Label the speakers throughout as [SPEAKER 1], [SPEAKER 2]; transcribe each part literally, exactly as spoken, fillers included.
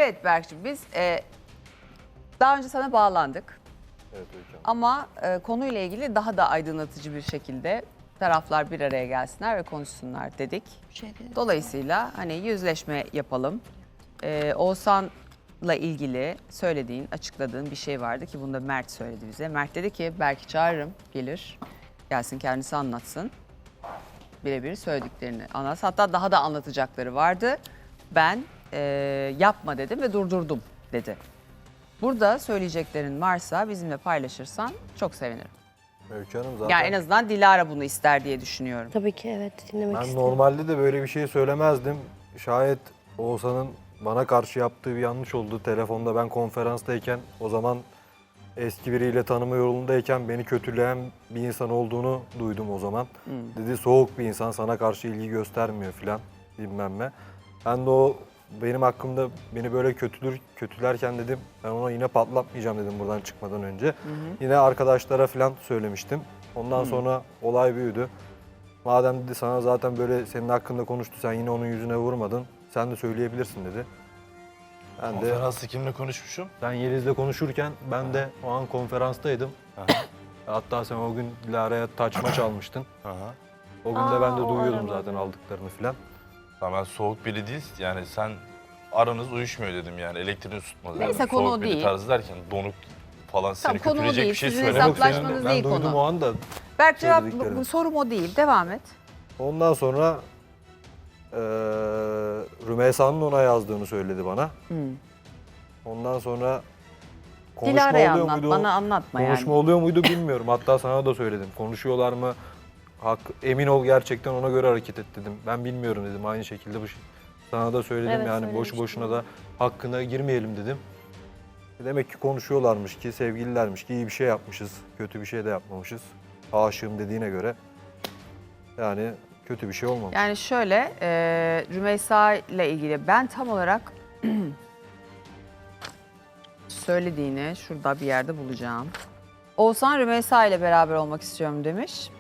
[SPEAKER 1] Evet Berk'cim biz e, daha önce sana bağlandık.
[SPEAKER 2] Evet hocam.
[SPEAKER 1] Ama e, konuyla ilgili daha da aydınlatıcı bir şekilde taraflar bir araya gelsinler ve konuşsunlar dedik. Dolayısıyla hani yüzleşme yapalım. Ee, Oğuzhan'la ilgili söylediğin, açıkladığın bir şey vardı ki bunu da Mert söyledi bize. Mert dedi ki belki çağırırım, gelir, gelsin kendisi anlatsın. Birebir söylediklerini anlatsın. Hatta daha da anlatacakları vardı. Ben e, yapma dedim ve durdurdum dedi. Burada söyleyeceklerin varsa bizimle paylaşırsan çok sevinirim.
[SPEAKER 2] Öykü Hanım zaten
[SPEAKER 1] Yani en azından Dilara bunu ister diye düşünüyorum.
[SPEAKER 3] Tabii ki evet dinlemek
[SPEAKER 2] ben
[SPEAKER 3] isterim.
[SPEAKER 2] normalde de böyle bir şey söylemezdim. Şayet Oğuzhan'ın bana karşı yaptığı bir yanlış oldu. Telefonda ben konferanstayken o zaman eski biriyle tanıma yolundayken beni kötüleyen bir insan olduğunu duydum o zaman.
[SPEAKER 1] Hmm.
[SPEAKER 2] Dedi soğuk bir insan, sana karşı ilgi göstermiyor filan bilmem ne. Ben de o benim hakkımda beni böyle kötülür, kötülerken dedim ben ona yine patlatmayacağım dedim buradan çıkmadan önce.
[SPEAKER 1] Hı hı.
[SPEAKER 2] Yine arkadaşlara falan söylemiştim. Ondan sonra olay büyüdü. Madem dedi sana zaten böyle senin hakkında konuştu, sen yine onun yüzüne vurmadın. Sen de söyleyebilirsin dedi. Ben de
[SPEAKER 4] Konferansta kimle konuşmuşum?
[SPEAKER 2] sen Yeliz'le konuşurken ben de o an konferanstaydım. Hatta sen o gün Dilara'ya taçma çalmıştın.
[SPEAKER 4] Aha.
[SPEAKER 2] O gün de ben de
[SPEAKER 3] Aa, o
[SPEAKER 2] duyuyordum
[SPEAKER 3] arada.
[SPEAKER 2] zaten aldıklarını falan.
[SPEAKER 4] Tamam, ben soğuk biri değil, yani sen aranız uyuşmuyor dedim yani elektriğini tutmadı.
[SPEAKER 1] Neyse,
[SPEAKER 4] dedim.
[SPEAKER 1] konu
[SPEAKER 4] soğuk
[SPEAKER 1] o
[SPEAKER 4] biri
[SPEAKER 1] değil.
[SPEAKER 4] tarzı derken donuk falan seni
[SPEAKER 1] Tamam, konu o
[SPEAKER 4] kötüleyecek
[SPEAKER 1] değil.
[SPEAKER 4] bir şey
[SPEAKER 1] Sizin
[SPEAKER 4] söylemek
[SPEAKER 1] hesaplaşmanız-
[SPEAKER 4] senin de-
[SPEAKER 1] Hesaplaşmanız değil
[SPEAKER 2] ben duydum
[SPEAKER 1] konu.
[SPEAKER 2] o anda.
[SPEAKER 1] Berk cevap,
[SPEAKER 2] Söylediklerini.
[SPEAKER 1] bu sorum o değil. Devam et.
[SPEAKER 2] Ondan sonra eee Rümeysa'nın ona yazdığını söyledi bana.
[SPEAKER 1] Hmm.
[SPEAKER 2] Ondan sonra konuşma
[SPEAKER 1] Dilara'ya
[SPEAKER 2] oluyor
[SPEAKER 1] anlat,
[SPEAKER 2] muydu?
[SPEAKER 1] bana anlatma
[SPEAKER 2] Konuşma
[SPEAKER 1] yani.
[SPEAKER 2] oluyor muydu bilmiyorum. Hatta sana da söyledim. Konuşuyorlar mı? Hak, emin ol gerçekten ona göre hareket et dedim. Ben bilmiyorum dedim aynı şekilde bu şey. Sana da söyledim
[SPEAKER 3] Evet,
[SPEAKER 2] yani boşu
[SPEAKER 3] söylemiştin.
[SPEAKER 2] boşuna da hakkına girmeyelim dedim. Demek ki konuşuyorlarmış ki, sevgililermiş ki iyi bir şey yapmışız. Kötü bir şey de yapmamışız. Aşığım dediğine göre. Yani kötü bir şey olmamış.
[SPEAKER 1] Yani şöyle, e, Rümeysa ile ilgili ben tam olarak söylediğini şurada bir yerde bulacağım. Oğuzhan Rümeysa ile beraber olmak istiyorum demiş.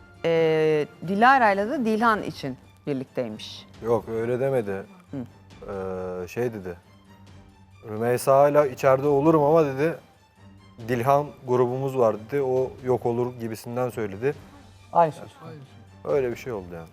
[SPEAKER 1] E, Dilara ile de Dilhan için birlikteymiş.
[SPEAKER 2] Yok öyle demedi. Ee, şey dedi. Rümeysa ile içeride olurum ama dedi Dilhan grubumuz var dedi. O yok olur gibisinden söyledi.
[SPEAKER 5] Aynı söz.
[SPEAKER 2] Öyle bir şey oldu yani.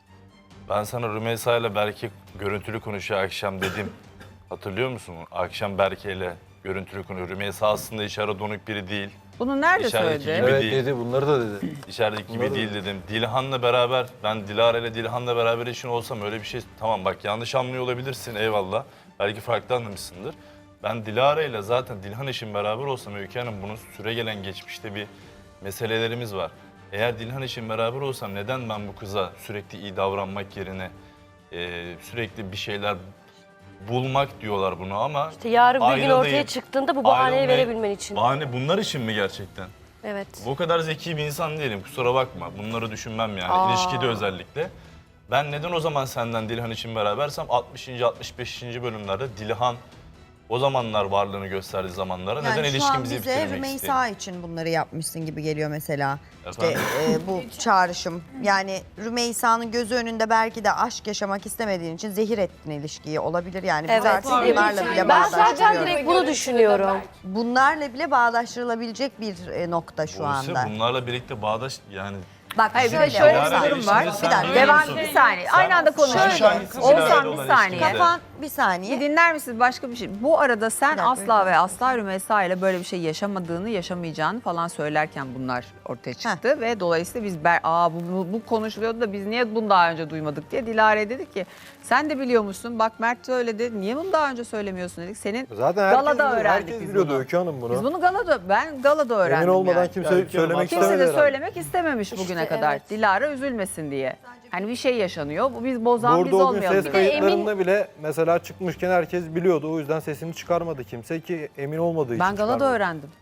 [SPEAKER 4] Ben sana Rümeysa ile Berke görüntülü konuşuyor akşam dedim. Hatırlıyor musun? Akşam Berke ile görüntülü konuşuyor. Rümeysa aslında içeri donuk biri değil.
[SPEAKER 1] Bunu nerede
[SPEAKER 4] İçerideki
[SPEAKER 1] söyledi?
[SPEAKER 4] gibi
[SPEAKER 2] Evet
[SPEAKER 4] değil.
[SPEAKER 2] dedi bunları da dedi.
[SPEAKER 4] İçerideki gibi
[SPEAKER 2] Bunları-
[SPEAKER 4] değil dedim. Dilhan'la beraber, ben Dilara ile Dilhan'la beraber işin olsam öyle bir şey... Tamam bak yanlış anlıyor olabilirsin eyvallah. Belki farklı anlamışsındır. Ben Dilara ile zaten Dilhan işin beraber olsam Öykü Hanım bunun süre gelen geçmişte bir meselelerimiz var. Eğer Dilhan işin beraber olsam neden ben bu kıza sürekli iyi davranmak yerine e, sürekli bir şeyler bulmak diyorlar bunu ama...
[SPEAKER 3] İşte yarın bir gün ortaya
[SPEAKER 4] ayrılayım,
[SPEAKER 3] çıktığında bu bahaneyi
[SPEAKER 4] ayrılmayı-
[SPEAKER 3] verebilmen için.
[SPEAKER 4] Bahane bunlar için mi gerçekten?
[SPEAKER 3] Evet.
[SPEAKER 4] O kadar zeki bir insan değilim kusura bakma. Bunları düşünmem yani
[SPEAKER 1] Aa.
[SPEAKER 4] ilişkide özellikle. Ben neden o zaman senden Dilhan için berabersem altmışıncı altmış beşinci bölümlerde Dilhan o zamanlar varlığını gösterdiği zamanlara
[SPEAKER 6] Yani
[SPEAKER 4] neden
[SPEAKER 6] şu an
[SPEAKER 4] ilişkimizi
[SPEAKER 6] bize
[SPEAKER 4] bitirmek
[SPEAKER 6] Rümeysa
[SPEAKER 4] isteyeyim?
[SPEAKER 6] için bunları yapmışsın gibi geliyor mesela. İşte
[SPEAKER 4] Efendim?
[SPEAKER 6] e, bu çağrışım. Yani Rümeysa'nın gözü önünde belki de aşk yaşamak istemediğin için zehir ettin ilişkiyi olabilir yani. Biz
[SPEAKER 3] Evet.
[SPEAKER 6] artık bunlarla bile
[SPEAKER 3] Ben zaten
[SPEAKER 6] bağdaştırıyoruz.
[SPEAKER 3] direkt bunu düşünüyorum.
[SPEAKER 6] Bunlarla bile bağdaştırılabilecek bir e, nokta şu
[SPEAKER 4] Buse,
[SPEAKER 6] anda.
[SPEAKER 4] bunlarla birlikte bağdaş yani
[SPEAKER 6] Bak
[SPEAKER 1] Hayır, bir de
[SPEAKER 6] şöyle,
[SPEAKER 1] şöyle
[SPEAKER 6] Oğuzhan,
[SPEAKER 1] bir durum var.
[SPEAKER 4] Şimdi sen
[SPEAKER 6] Bir dakika.
[SPEAKER 4] biliyor
[SPEAKER 1] Devam
[SPEAKER 4] musun?
[SPEAKER 1] bir saniye. Aynı anda konuşalım.
[SPEAKER 6] Şöyle,
[SPEAKER 1] Oğuzhan bir
[SPEAKER 4] olan
[SPEAKER 1] saniye.
[SPEAKER 4] ilişkide-
[SPEAKER 6] Kafan bir
[SPEAKER 1] Bir
[SPEAKER 6] saniye.
[SPEAKER 1] dinler misin başka bir şey? Bu arada sen
[SPEAKER 6] Bir dakika, bir
[SPEAKER 1] asla
[SPEAKER 6] dakika.
[SPEAKER 1] ve asla Rümeysa ile böyle bir şey yaşamadığını, yaşamayacağını falan söylerken bunlar ortaya çıktı. Ve dolayısıyla biz ber, Aa, bu, bu, bu konuşuluyordu da biz niye bunu daha önce duymadık diye Dilara'ya dedik ki sen de biliyor musun? Bak Mert söyledi. Niye bunu daha önce söylemiyorsun dedik. Senin
[SPEAKER 2] Zaten herkes,
[SPEAKER 1] Galada
[SPEAKER 2] biliyor-
[SPEAKER 1] öğrendik
[SPEAKER 2] herkes
[SPEAKER 1] biz
[SPEAKER 2] biliyordu
[SPEAKER 1] bunu.
[SPEAKER 2] Öykü Hanım bunu.
[SPEAKER 1] biz bunu galada, ben galada öğrendim
[SPEAKER 2] Emin olmadan
[SPEAKER 1] yani.
[SPEAKER 2] kimse
[SPEAKER 5] Yani
[SPEAKER 2] söylemek
[SPEAKER 1] Kimse
[SPEAKER 2] istemedi
[SPEAKER 1] de
[SPEAKER 2] herhalde.
[SPEAKER 1] söylemek istememiş bugüne
[SPEAKER 3] İşte
[SPEAKER 1] kadar.
[SPEAKER 3] evet.
[SPEAKER 1] Dilara üzülmesin diye. Hani bir şey yaşanıyor. Bu biz bozan biz
[SPEAKER 2] Burada o gün
[SPEAKER 1] olmayalım.
[SPEAKER 2] ses
[SPEAKER 1] dedik.
[SPEAKER 2] kayıtlarında bile mesela çıkmışken herkes biliyordu. O yüzden sesini çıkarmadı kimse ki emin olmadığı için
[SPEAKER 1] Ben galada
[SPEAKER 2] çıkarmadı.
[SPEAKER 1] öğrendim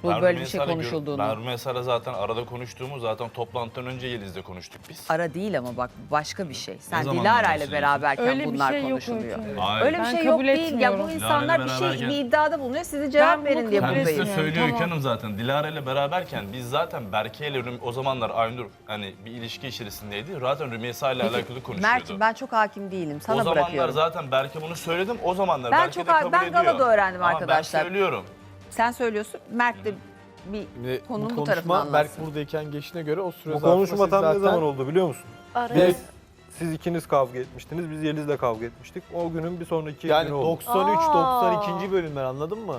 [SPEAKER 1] Bu
[SPEAKER 4] Ben
[SPEAKER 1] böyle bir şey
[SPEAKER 4] Rümeysa'yla gör-
[SPEAKER 1] konuşulduğunu.
[SPEAKER 4] Ben Rümeysa'yla zaten arada konuştuğumuz zaten toplantıdan önce Yeliz'le konuştuk biz.
[SPEAKER 1] Ara değil ama bak başka bir şey. Sen
[SPEAKER 4] zamandan
[SPEAKER 1] Dilara ile
[SPEAKER 4] bahsediyorsun?
[SPEAKER 1] beraberken
[SPEAKER 5] Öyle bir
[SPEAKER 1] bunlar
[SPEAKER 5] şey yok
[SPEAKER 1] konuşuluyor.
[SPEAKER 5] Öykü.
[SPEAKER 4] Hayır.
[SPEAKER 1] Öyle bir
[SPEAKER 5] Ben
[SPEAKER 1] şey yok
[SPEAKER 5] kabul
[SPEAKER 1] değil. Ya
[SPEAKER 5] etmiyorum.
[SPEAKER 1] bu insanlar bir şey
[SPEAKER 4] beraberken-
[SPEAKER 1] bir iddiada bulunuyor. Size cevap
[SPEAKER 5] Ben
[SPEAKER 1] verin
[SPEAKER 5] bunu
[SPEAKER 1] diye
[SPEAKER 5] kabul
[SPEAKER 4] Kendisi de
[SPEAKER 1] buradayım.
[SPEAKER 5] etmiyorum.
[SPEAKER 4] söylüyor
[SPEAKER 5] Tamam.
[SPEAKER 4] Öykü Hanım zaten. Dilara ile beraberken biz zaten Berke ile Rüm- o zamanlar Aynur hani bir ilişki içerisindeydi. Zaten Rümeysa ile alakalı konuşuyordu.
[SPEAKER 1] Mert ben çok hakim değilim.
[SPEAKER 4] o
[SPEAKER 1] Sana
[SPEAKER 4] zamanlar
[SPEAKER 1] bırakıyorum.
[SPEAKER 4] zaten Berke bunu söyledim. O zamanlar
[SPEAKER 1] Ben
[SPEAKER 4] Berke
[SPEAKER 1] çok
[SPEAKER 4] de
[SPEAKER 1] ha-
[SPEAKER 4] kabul
[SPEAKER 1] ben
[SPEAKER 4] ediyor.
[SPEAKER 1] galada öğrendim
[SPEAKER 4] Ama
[SPEAKER 1] arkadaşlar.
[SPEAKER 4] ben söylüyorum.
[SPEAKER 1] Sen söylüyorsun. Mert de bir
[SPEAKER 7] Şimdi
[SPEAKER 1] konunun bu,
[SPEAKER 7] bu
[SPEAKER 1] tarafını
[SPEAKER 7] konuşma Berk
[SPEAKER 1] anlatsın.
[SPEAKER 7] buradayken geçtiğine göre o süre
[SPEAKER 2] Bu
[SPEAKER 7] zarfında
[SPEAKER 2] konuşma
[SPEAKER 7] siz
[SPEAKER 2] tam ne
[SPEAKER 7] zaten-
[SPEAKER 2] zaman oldu biliyor musun?
[SPEAKER 3] Araya
[SPEAKER 2] Biz, siz ikiniz kavga etmiştiniz, biz Yeliz'le kavga etmiştik. O günün bir sonraki
[SPEAKER 7] Yani
[SPEAKER 2] günü oldu.
[SPEAKER 7] doksan üç
[SPEAKER 3] Aa.
[SPEAKER 7] doksan ikinci bölümler anladın mı?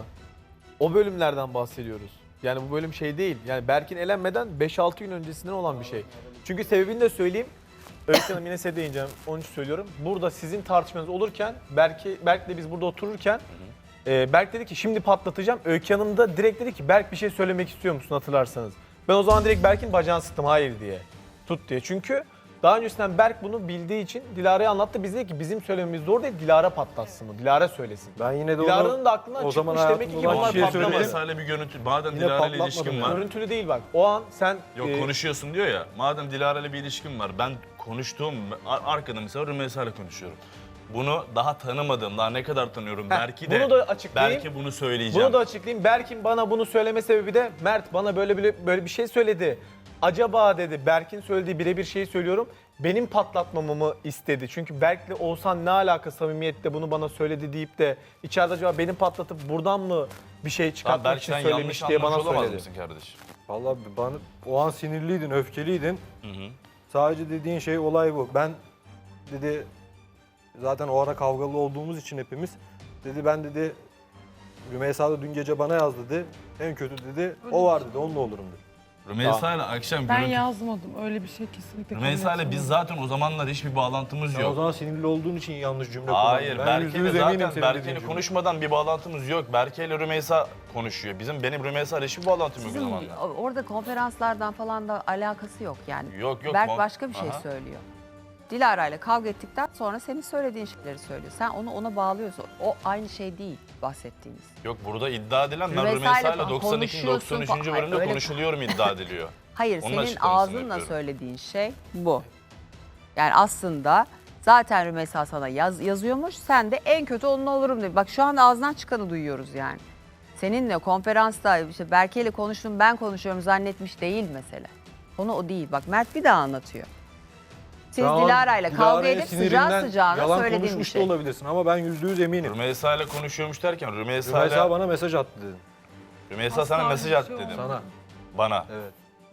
[SPEAKER 7] O bölümlerden bahsediyoruz. Yani bu bölüm şey değil. Yani Berk'in elenmeden beş altı gün öncesinden olan bir şey. Çünkü sebebini de söyleyeyim. Öykü Hanım yine size değineceğim. Onun için söylüyorum. Burada sizin tartışmanız olurken Berk'i Berk'le biz burada otururken e, Berk dedi ki şimdi patlatacağım. Öykü Hanım da direkt dedi ki Berk bir şey söylemek istiyor musun hatırlarsanız. Ben o zaman direkt Berk'in bacağını sıktım hayır diye. Tut diye. Çünkü daha öncesinden Berk bunu bildiği için Dilara'ya anlattı. Biz dedik ki bizim söylememiz doğru değil, Dilara patlatsın mı? Dilara söylesin.
[SPEAKER 2] Ben yine de
[SPEAKER 7] Dilara'nın
[SPEAKER 2] onu
[SPEAKER 7] da aklından
[SPEAKER 2] o zaman
[SPEAKER 7] çıkmış demek ki
[SPEAKER 2] hayatımda olan
[SPEAKER 7] bunlar
[SPEAKER 2] kişiye
[SPEAKER 7] patlamadı.
[SPEAKER 2] söyledim.
[SPEAKER 4] Rümeysa ile bir görüntü. Madem
[SPEAKER 2] Yine
[SPEAKER 4] Dilara ile
[SPEAKER 2] patlatmadım
[SPEAKER 4] ilişkin
[SPEAKER 2] yani.
[SPEAKER 4] var.
[SPEAKER 7] Görüntülü değil bak. O an sen
[SPEAKER 4] Yok
[SPEAKER 7] e,
[SPEAKER 4] konuşuyorsun diyor ya. Madem Dilara ile bir ilişkin var. Ben konuştuğum ar- arkada mesela Rümeysa ile konuşuyorum. Bunu daha tanımadığım, daha ne kadar tanıyorum. Belki de
[SPEAKER 7] bunu da açıklayayım.
[SPEAKER 4] belki bunu söyleyeceğim.
[SPEAKER 7] bunu da açıklayayım. Berk'in bana bunu söyleme sebebi de Mert bana böyle böyle, böyle bir şey söyledi. Acaba dedi Berk'in söylediği birebir şeyi söylüyorum. Benim patlatmamamı istedi. Çünkü Berk'le Oğuzhan ne alaka samimiyette bunu bana söyledi deyip de içeride acaba benim patlatıp buradan mı bir şey
[SPEAKER 4] Tamam,
[SPEAKER 7] çıkartmak
[SPEAKER 4] belki
[SPEAKER 7] için
[SPEAKER 4] sen yanlış
[SPEAKER 7] söylemiş diye
[SPEAKER 4] anlamış
[SPEAKER 7] bana
[SPEAKER 4] olamaz
[SPEAKER 7] söyledi.
[SPEAKER 4] mısın kardeşim?
[SPEAKER 2] Vallahi bana o an sinirliydin, öfkeliydin.
[SPEAKER 4] Hı hı.
[SPEAKER 2] Sadece dediğin şey olay bu. Ben dedi zaten o ara kavgalı olduğumuz için hepimiz dedi ben dedi Rümeysa da dün gece bana yaz dedi. En kötü dedi o var dedi onunla olurum dedi.
[SPEAKER 4] Rümeysa ile akşam
[SPEAKER 5] Ben
[SPEAKER 4] görüntü...
[SPEAKER 5] yazmadım. Öyle bir şey kesinlikle kabul
[SPEAKER 4] Rümeysa ile biz
[SPEAKER 5] etmiyorum.
[SPEAKER 4] zaten o zamanlar hiçbir bağlantımız
[SPEAKER 2] Sen o
[SPEAKER 4] yok.
[SPEAKER 2] zaman sinirli olduğun için yanlış cümle
[SPEAKER 4] Hayır,
[SPEAKER 2] kullandın. Ben yüzde
[SPEAKER 4] Berke'yle
[SPEAKER 2] yüz eminim
[SPEAKER 4] zaten
[SPEAKER 2] senin
[SPEAKER 4] Berke'yle
[SPEAKER 2] dediğin cümle.
[SPEAKER 4] konuşmadan bir bağlantımız yok. Berke ile Rümeysa konuşuyor. Bizim benim Rümeysa ile hiçbir bağlantım yok o
[SPEAKER 1] Sizin
[SPEAKER 4] zamanlar.
[SPEAKER 1] orada konferanslardan falan da alakası yok yani.
[SPEAKER 4] Yok yok.
[SPEAKER 1] Berk
[SPEAKER 4] kon-
[SPEAKER 1] başka bir şey
[SPEAKER 4] Aha.
[SPEAKER 1] söylüyor. Dilara ile kavga ettikten sonra senin söylediğin şeyleri söylüyor. Sen onu ona bağlıyorsun. O aynı şey değil bahsettiğiniz.
[SPEAKER 4] Yok burada iddia edilen ben
[SPEAKER 1] Rümeysa
[SPEAKER 4] Rümeysa
[SPEAKER 1] ile
[SPEAKER 4] ile doksan iki doksan
[SPEAKER 1] konuşuyorsun
[SPEAKER 4] üçüncü
[SPEAKER 1] falan.
[SPEAKER 4] bölümde
[SPEAKER 1] Öyle-
[SPEAKER 4] konuşuluyorum iddia ediliyor.
[SPEAKER 1] Hayır,
[SPEAKER 4] Onun
[SPEAKER 1] senin
[SPEAKER 4] açıklamasını
[SPEAKER 1] ağzınla
[SPEAKER 4] yapıyorum.
[SPEAKER 1] söylediğin şey bu. Yani aslında zaten Rümeysa sana yaz, yazıyormuş. Sen de en kötü onunla olurum dedi. Bak şu anda ağzından çıkanı duyuyoruz yani. Seninle konferansta işte Berke ile konuştum ben konuşuyorum zannetmiş değil mesele. Konu o değil. Bak Mert bir daha anlatıyor. Siz
[SPEAKER 2] Şu an
[SPEAKER 1] Dilara ile kavga
[SPEAKER 2] Dilara'ya
[SPEAKER 1] edip sıcağı
[SPEAKER 2] sinirinden
[SPEAKER 1] sıcağına
[SPEAKER 2] yalan
[SPEAKER 1] söylediğin bir
[SPEAKER 2] konuşmuş
[SPEAKER 1] şey.
[SPEAKER 2] da olabilirsin ama ben yüzde yüz eminim.
[SPEAKER 4] Rümeysa ile konuşuyormuş derken Rümeysa,
[SPEAKER 2] Rümeysa
[SPEAKER 4] ile
[SPEAKER 2] bana mesaj attı dedim.
[SPEAKER 4] Rümeysa
[SPEAKER 5] Asla
[SPEAKER 4] sana
[SPEAKER 5] öyle
[SPEAKER 4] mesaj
[SPEAKER 5] bir
[SPEAKER 4] attı
[SPEAKER 5] şey
[SPEAKER 4] dedim.
[SPEAKER 2] Sana.
[SPEAKER 4] Bana.
[SPEAKER 2] Evet.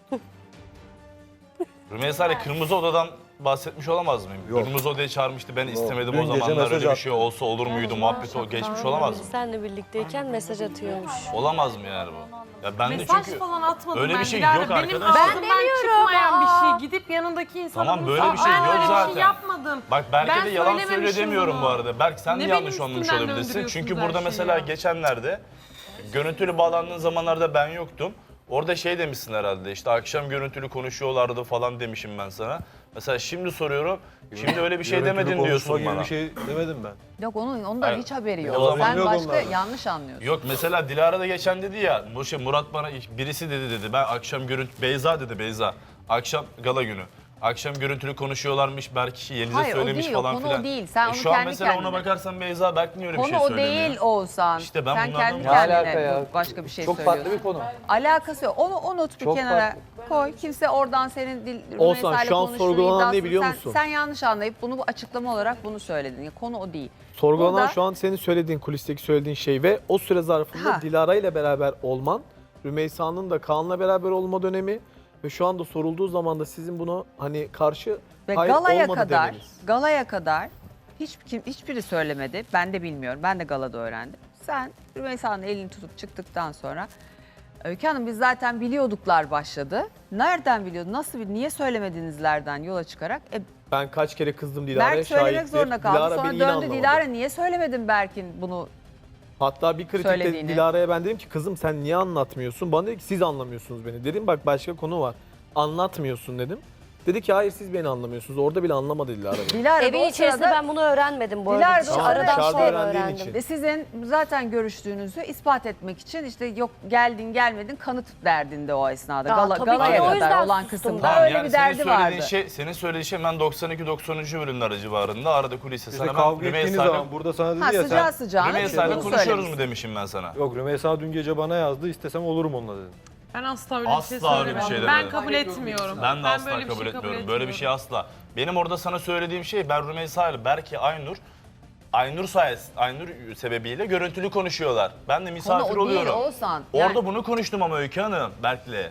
[SPEAKER 4] Rümeysa ile Kırmızı Oda'dan bahsetmiş olamaz mıyım?
[SPEAKER 2] Yok.
[SPEAKER 4] Kırmızı Oda'yı çağırmıştı ben istemedim
[SPEAKER 2] Dün
[SPEAKER 4] o
[SPEAKER 2] gece
[SPEAKER 4] zamanlar
[SPEAKER 2] mesaj
[SPEAKER 4] öyle bir
[SPEAKER 2] attı.
[SPEAKER 4] şey olsa olur muydu muhabbeti o geçmiş olamaz mı?
[SPEAKER 3] Senle birlikteyken mesaj atıyormuş.
[SPEAKER 4] Olamaz mı yani bu? Ya ben de
[SPEAKER 5] Mesaj
[SPEAKER 4] çünkü
[SPEAKER 5] falan atmadım
[SPEAKER 4] öyle
[SPEAKER 5] ben.
[SPEAKER 4] bir şey
[SPEAKER 5] Dilara.
[SPEAKER 4] yok
[SPEAKER 5] Benim
[SPEAKER 4] arkadaşlar.
[SPEAKER 5] ağzımdan çıkmayan bir şey. Gidip yanındaki insana
[SPEAKER 4] Tamam,
[SPEAKER 5] bunu
[SPEAKER 4] böyle bir
[SPEAKER 5] sor-
[SPEAKER 4] şey
[SPEAKER 5] ben
[SPEAKER 4] yok
[SPEAKER 5] öyle bir
[SPEAKER 4] zaten.
[SPEAKER 5] şey yapmadım.
[SPEAKER 4] Bak Berke
[SPEAKER 5] Ben
[SPEAKER 4] de yalan
[SPEAKER 5] söylememişim
[SPEAKER 4] söyle demiyorum
[SPEAKER 5] bunu.
[SPEAKER 4] bu arada. Berk sen de
[SPEAKER 5] Ne
[SPEAKER 4] yanlış
[SPEAKER 5] benim
[SPEAKER 4] anlamış
[SPEAKER 5] üstümden
[SPEAKER 4] olabilirsin.
[SPEAKER 5] döndürüyorsunuz
[SPEAKER 4] Çünkü
[SPEAKER 5] her
[SPEAKER 4] burada
[SPEAKER 5] şeyi
[SPEAKER 4] mesela
[SPEAKER 5] ya.
[SPEAKER 4] geçenlerde görüntülü bağlandığın zamanlarda ben yoktum. Orada şey demişsin herhalde işte akşam görüntülü konuşuyorlardı falan demişim ben sana. Mesela şimdi soruyorum. Şimdi öyle bir şey
[SPEAKER 2] Görüntülü
[SPEAKER 4] demedin
[SPEAKER 2] konuşma
[SPEAKER 4] diyorsun
[SPEAKER 2] gibi
[SPEAKER 4] bana.
[SPEAKER 2] bir şey demedim ben.
[SPEAKER 1] Yok onun ondan
[SPEAKER 4] Hayır.
[SPEAKER 1] hiç haberi yok.
[SPEAKER 4] O zaman
[SPEAKER 1] Sen
[SPEAKER 2] yok
[SPEAKER 1] başka
[SPEAKER 2] onlardan.
[SPEAKER 1] yanlış anlıyorsun.
[SPEAKER 4] Yok mesela Dilara da geçen dedi ya, bu şey Murat bana birisi dedi dedi. Ben akşam görüntü Beyza dedi Beyza. Akşam gala günü. Akşam görüntülü konuşuyorlarmış belki Yeliz'e
[SPEAKER 1] Hayır, o
[SPEAKER 4] söylemiş
[SPEAKER 1] değil, o
[SPEAKER 4] falan
[SPEAKER 1] konu o
[SPEAKER 4] filan.
[SPEAKER 1] değil. Sen
[SPEAKER 4] E
[SPEAKER 1] onu
[SPEAKER 4] şu an
[SPEAKER 1] kendi
[SPEAKER 4] mesela ona
[SPEAKER 1] kendine-
[SPEAKER 4] bakarsan Beyza Berk niye öyle bir
[SPEAKER 1] Konu
[SPEAKER 4] şey
[SPEAKER 1] o
[SPEAKER 4] söylemiyor?
[SPEAKER 1] değil Oğuzhan.
[SPEAKER 4] İşte ben
[SPEAKER 1] Sen
[SPEAKER 4] bunlardan-
[SPEAKER 1] kendi
[SPEAKER 4] Ne
[SPEAKER 1] kendine
[SPEAKER 7] alaka ya?
[SPEAKER 1] bu- başka bir şey
[SPEAKER 7] Çok
[SPEAKER 1] söylüyorsun.
[SPEAKER 7] farklı bir konu.
[SPEAKER 1] Alakası yok. Onu unut bir
[SPEAKER 7] Çok
[SPEAKER 1] kenara koy. Kimse oradan senin dil
[SPEAKER 7] Oğuzhan,
[SPEAKER 1] Rümeysa'yla
[SPEAKER 7] şu an
[SPEAKER 1] konuştuğun
[SPEAKER 7] sorgulanan ne
[SPEAKER 1] iddiasını
[SPEAKER 7] biliyor
[SPEAKER 1] sen,
[SPEAKER 7] musun?
[SPEAKER 1] Sen yanlış anlayıp bunu bu açıklama olarak bunu söyledin. Yani konu o değil.
[SPEAKER 7] Sorgulanan
[SPEAKER 1] Burada-
[SPEAKER 7] şu an senin söylediğin, kulisteki söylediğin şey ve o süre zarfında
[SPEAKER 1] Ha.
[SPEAKER 7] Dilara ile beraber olman, Rümeysa'nın da Kaan'la beraber olma dönemi ve şu anda sorulduğu zaman da sizin bunu hani karşı
[SPEAKER 1] Ve
[SPEAKER 7] hayır
[SPEAKER 1] galaya
[SPEAKER 7] olmadı
[SPEAKER 1] kadar,
[SPEAKER 7] demeniz.
[SPEAKER 1] galaya kadar hiç kim hiçbiri söylemedi. Ben de bilmiyorum. Ben de galada öğrendim. Sen Rümeysa'nın elini tutup çıktıktan sonra Öykü Hanım biz zaten biliyorduklar başladı. Nereden biliyordun? Nasıl bir niye söylemedinizlerden yola çıkarak e,
[SPEAKER 7] Ben kaç kere kızdım Dilara'ya
[SPEAKER 1] Berk söylemek
[SPEAKER 7] şahittir.
[SPEAKER 1] zorunda kaldı.
[SPEAKER 7] Dilara
[SPEAKER 1] Sonra
[SPEAKER 7] beni yine
[SPEAKER 1] döndü
[SPEAKER 7] anlamadı.
[SPEAKER 1] Dilara niye söylemedin Berk'in bunu?
[SPEAKER 7] Hatta bir kritikte
[SPEAKER 1] söylediğini.
[SPEAKER 7] Dilara'ya ben dedim ki kızım sen niye anlatmıyorsun? Bana dedi ki siz anlamıyorsunuz beni. Dedim bak başka konu var. Anlatmıyorsun dedim. Dedi ki hayır siz beni anlamıyorsunuz. Orada bile anlamadı Dilara beni.
[SPEAKER 1] Dilara da
[SPEAKER 3] Evin
[SPEAKER 1] o
[SPEAKER 3] içerisinde
[SPEAKER 1] sırada
[SPEAKER 3] ben bunu öğrenmedim bu
[SPEAKER 1] Dilara
[SPEAKER 3] arada.
[SPEAKER 1] da o
[SPEAKER 3] Dış-
[SPEAKER 1] sırada
[SPEAKER 3] Aradan
[SPEAKER 1] işte-
[SPEAKER 3] sonra
[SPEAKER 7] öğrendiğin
[SPEAKER 3] öğrendim.
[SPEAKER 7] için.
[SPEAKER 1] ve sizin zaten görüştüğünüzü ispat etmek için işte yok geldin gelmedin kanıt derdinde o esnada.
[SPEAKER 3] Ya
[SPEAKER 1] Gala,
[SPEAKER 3] tabii ki
[SPEAKER 1] galaya
[SPEAKER 3] o
[SPEAKER 1] kadar
[SPEAKER 3] yüzden
[SPEAKER 1] olan
[SPEAKER 3] sustum
[SPEAKER 1] kısımda
[SPEAKER 3] ben.
[SPEAKER 4] Tamam,
[SPEAKER 1] öyle
[SPEAKER 4] yani
[SPEAKER 1] bir
[SPEAKER 4] senin
[SPEAKER 1] derdi
[SPEAKER 4] söylediğin
[SPEAKER 1] vardı.
[SPEAKER 4] Şey, senin söylediğin şey ben doksan iki doksan üç bölümler civarında arada kuliste
[SPEAKER 2] İşte
[SPEAKER 4] sana ben
[SPEAKER 2] kavga ettiğiniz
[SPEAKER 4] Rümeysa'yla
[SPEAKER 2] zaman burada sana dedi
[SPEAKER 1] Ha
[SPEAKER 2] ya
[SPEAKER 1] sıcağı
[SPEAKER 2] sen...
[SPEAKER 1] sıcağına
[SPEAKER 4] Rümeysa'yla
[SPEAKER 1] bunu
[SPEAKER 4] konuşuyoruz
[SPEAKER 1] söylemiş.
[SPEAKER 4] mu demişim ben sana.
[SPEAKER 2] Yok Rümeysa dün gece bana yazdı istesem olurum onunla dedim.
[SPEAKER 5] Ben asla öyle bir şey
[SPEAKER 4] Asla öyle bir
[SPEAKER 5] söylemedim.
[SPEAKER 4] şey
[SPEAKER 5] ben
[SPEAKER 4] demedim.
[SPEAKER 5] kabul etmiyorum.
[SPEAKER 4] Ben de asla
[SPEAKER 5] böyle bir
[SPEAKER 4] kabul
[SPEAKER 5] şey
[SPEAKER 4] etmiyorum. Böyle bir şey asla. Benim orada sana söylediğim şey ben Rümeysa ile belki Aynur Aynur sayesinde, Aynur sebebiyle görüntülü konuşuyorlar. Ben de misafir
[SPEAKER 1] Konu o değil,
[SPEAKER 4] oluyorum.
[SPEAKER 1] Oğuzhan.
[SPEAKER 4] Orada
[SPEAKER 1] Yani-
[SPEAKER 4] bunu konuştum ama Öykü Hanım Berk'le.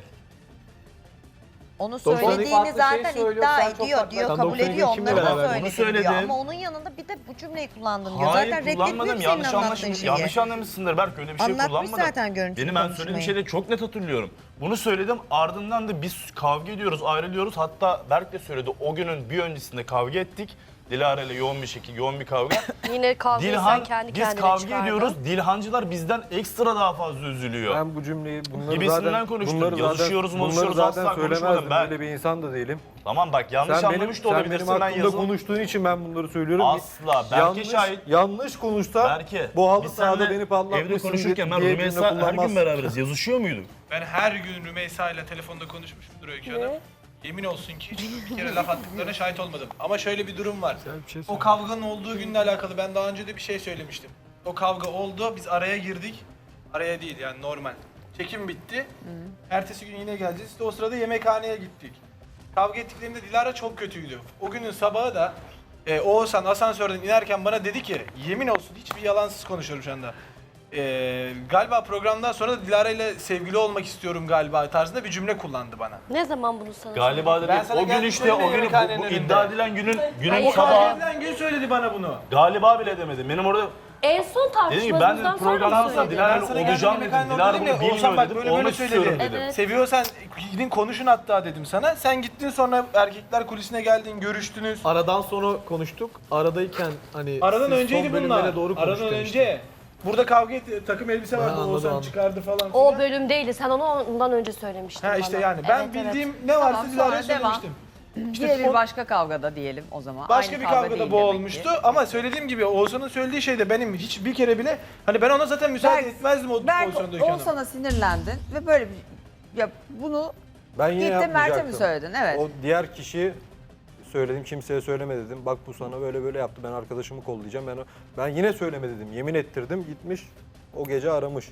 [SPEAKER 6] Onu
[SPEAKER 7] doksan iki
[SPEAKER 6] söylediğini
[SPEAKER 8] farklı şey
[SPEAKER 6] zaten
[SPEAKER 8] söylüyor,
[SPEAKER 6] iddia
[SPEAKER 8] sen çok
[SPEAKER 6] ediyor
[SPEAKER 8] farklı-
[SPEAKER 6] diyor,
[SPEAKER 7] Sen
[SPEAKER 6] kabul
[SPEAKER 7] doksan iki
[SPEAKER 6] ediyor.
[SPEAKER 7] kimle
[SPEAKER 6] Onları da
[SPEAKER 7] beraber?
[SPEAKER 6] söyledim
[SPEAKER 4] Bunu söyledim.
[SPEAKER 6] diyor. Ama onun yanında bir de bu cümleyi kullandın diyor.
[SPEAKER 4] Hayır
[SPEAKER 6] Zaten
[SPEAKER 4] kullanmadım.
[SPEAKER 6] reddetmiyor
[SPEAKER 4] Yanlış
[SPEAKER 6] senin anlattığın
[SPEAKER 4] anlaşılmış.
[SPEAKER 6] şeyi.
[SPEAKER 4] Yanlış anlamışsındır Berk öyle bir şey
[SPEAKER 6] Anlatmış
[SPEAKER 4] kullanmadım.
[SPEAKER 6] zaten görüntülü
[SPEAKER 4] Benim ben
[SPEAKER 6] konuşmayı.
[SPEAKER 4] söylediğim şeyleri çok net hatırlıyorum. Bunu söyledim ardından da biz kavga ediyoruz, ayrılıyoruz. Hatta Berk de söyledi o günün bir öncesinde kavga ettik. Dilara ile yoğun bir şekilde yoğun bir kavga.
[SPEAKER 3] Yine kavgayı
[SPEAKER 4] Dilhan,
[SPEAKER 3] sen kendi
[SPEAKER 4] biz
[SPEAKER 3] kendine
[SPEAKER 4] kavga
[SPEAKER 3] çıkardın.
[SPEAKER 4] ediyoruz. Dilhancılar bizden ekstra daha fazla üzülüyor.
[SPEAKER 2] Ben bu cümleyi bunları
[SPEAKER 4] Gibisinden
[SPEAKER 2] zaten
[SPEAKER 4] konuştum.
[SPEAKER 2] bunları zaten,
[SPEAKER 4] Yazışıyoruz,
[SPEAKER 2] bunları
[SPEAKER 4] konuşuyoruz,
[SPEAKER 2] zaten
[SPEAKER 4] asla konuşmadım
[SPEAKER 2] söylemezdim.
[SPEAKER 4] ben.
[SPEAKER 2] Böyle bir insan da değilim.
[SPEAKER 4] Tamam bak yanlış
[SPEAKER 2] Sen benim,
[SPEAKER 4] anlamış da
[SPEAKER 2] sen benim
[SPEAKER 4] olabilirsin. Ben
[SPEAKER 2] hakkımda
[SPEAKER 4] yazın.
[SPEAKER 2] konuştuğun için ben bunları söylüyorum.
[SPEAKER 4] Asla. Berke
[SPEAKER 2] yanlış,
[SPEAKER 4] şahit.
[SPEAKER 2] yanlış konuşsa
[SPEAKER 4] Berke,
[SPEAKER 2] bu halı
[SPEAKER 4] biz
[SPEAKER 2] sahada
[SPEAKER 4] seninle
[SPEAKER 2] beni patlatmışsın
[SPEAKER 4] evde konuşurken ben
[SPEAKER 2] diye cümle
[SPEAKER 4] Rümeysa her gün
[SPEAKER 2] kullanmazsın.
[SPEAKER 4] beraberiz. Yazışıyor muyduk?
[SPEAKER 9] Ben her gün Rümeysa ile telefonda konuşmuşumdur Öykü Hanım. Yemin olsun ki hiç bir kere laf attıklarına şahit olmadım. Ama şöyle bir durum var. O kavganın olduğu günle alakalı ben daha önce de bir şey söylemiştim. O kavga oldu, biz araya girdik. Araya değil yani normal. Çekim bitti. Ertesi gün yine geleceğiz. İşte o sırada yemekhaneye gittik. Kavga ettiklerinde Dilara çok kötüydü. O günün sabahı da e, Oğuzhan asansörden inerken bana dedi ki, yemin olsun hiçbir yalansız konuşuyorum şu anda. E, galiba programdan sonra da Dilara ile sevgili olmak istiyorum galiba tarzında bir cümle kullandı bana.
[SPEAKER 3] Ne zaman bunu sana
[SPEAKER 4] Galiba dedi.
[SPEAKER 9] Ben sana
[SPEAKER 4] O gün
[SPEAKER 9] geldim,
[SPEAKER 4] işte o
[SPEAKER 9] söyledim
[SPEAKER 4] gün bu,
[SPEAKER 9] yemekhanenin
[SPEAKER 4] bu
[SPEAKER 9] önünde.
[SPEAKER 4] iddia edilen günün günün
[SPEAKER 3] Hayır,
[SPEAKER 4] sabahı.
[SPEAKER 9] Sabah gün söyledi bana bunu.
[SPEAKER 4] Galiba bile demedim. Benim orada
[SPEAKER 3] En son
[SPEAKER 4] dedim ki ben
[SPEAKER 3] tartışmamızdan
[SPEAKER 4] dedim
[SPEAKER 3] sonra mı
[SPEAKER 4] programdan sonra
[SPEAKER 3] söyledin?
[SPEAKER 4] Dilara
[SPEAKER 9] Ben
[SPEAKER 4] ile
[SPEAKER 9] sana
[SPEAKER 4] olacağım
[SPEAKER 9] geldim,
[SPEAKER 4] dedim.
[SPEAKER 9] yemekhanede
[SPEAKER 4] Dilara
[SPEAKER 9] dedim
[SPEAKER 4] bunu
[SPEAKER 9] ya,
[SPEAKER 4] bilmiyor
[SPEAKER 9] Oğuzhan bak
[SPEAKER 4] dedim.
[SPEAKER 9] böyle böyle
[SPEAKER 4] Olmak
[SPEAKER 9] söyledi.
[SPEAKER 4] istiyorum dedim.
[SPEAKER 3] Evet.
[SPEAKER 9] Seviyorsan gidin konuşun hatta dedim sana. Sen gittin sonra erkekler kulisine geldin, görüştünüz.
[SPEAKER 7] Aradan sonra konuştuk. Aradayken hani
[SPEAKER 9] Aradan
[SPEAKER 7] siz
[SPEAKER 9] önceydi
[SPEAKER 7] son bölümlere
[SPEAKER 9] bunlar.
[SPEAKER 7] doğru
[SPEAKER 9] Aradan
[SPEAKER 7] konuştuk
[SPEAKER 9] önce. Burada kavga etti, takım elbise vardı,
[SPEAKER 7] anladım,
[SPEAKER 9] Oğuzhan
[SPEAKER 7] anladım.
[SPEAKER 9] çıkardı falan
[SPEAKER 3] O
[SPEAKER 9] filan.
[SPEAKER 3] bölüm değildi. Sen onu ondan önce söylemiştin
[SPEAKER 9] Ha
[SPEAKER 3] bana.
[SPEAKER 9] işte yani ben
[SPEAKER 3] Evet, evet.
[SPEAKER 9] bildiğim ne varsa
[SPEAKER 1] Tamam,
[SPEAKER 9] Dilara'ya
[SPEAKER 1] sonra devam.
[SPEAKER 9] söylemiştim.
[SPEAKER 1] Diğer bir
[SPEAKER 9] o-
[SPEAKER 1] başka kavgada diyelim o zaman.
[SPEAKER 9] Başka
[SPEAKER 1] Aynı
[SPEAKER 9] bir
[SPEAKER 1] kavga
[SPEAKER 9] kavgada
[SPEAKER 1] değil
[SPEAKER 9] bu
[SPEAKER 1] demek
[SPEAKER 9] olmuştu
[SPEAKER 1] ki.
[SPEAKER 9] ama söylediğim gibi Oğuzhan'ın söylediği şey de benim hiç bir kere bile hani ben ona zaten müsaade
[SPEAKER 1] Berk-
[SPEAKER 9] etmezdim o
[SPEAKER 1] Berk
[SPEAKER 9] pozisyonda Öykü Hanım.
[SPEAKER 1] Oğuzhan'a sinirlendin ve böyle bir ya bunu
[SPEAKER 2] Ben yine
[SPEAKER 1] gittin Mert'e mi
[SPEAKER 2] yapmayacaktım.
[SPEAKER 1] söyledin? Evet.
[SPEAKER 2] O diğer kişi söyledim kimseye söyleme dedim. Bak bu sana böyle böyle yaptı ben arkadaşımı kollayacağım. Ben o- ben yine söyleme dedim. Yemin ettirdim gitmiş o gece aramış.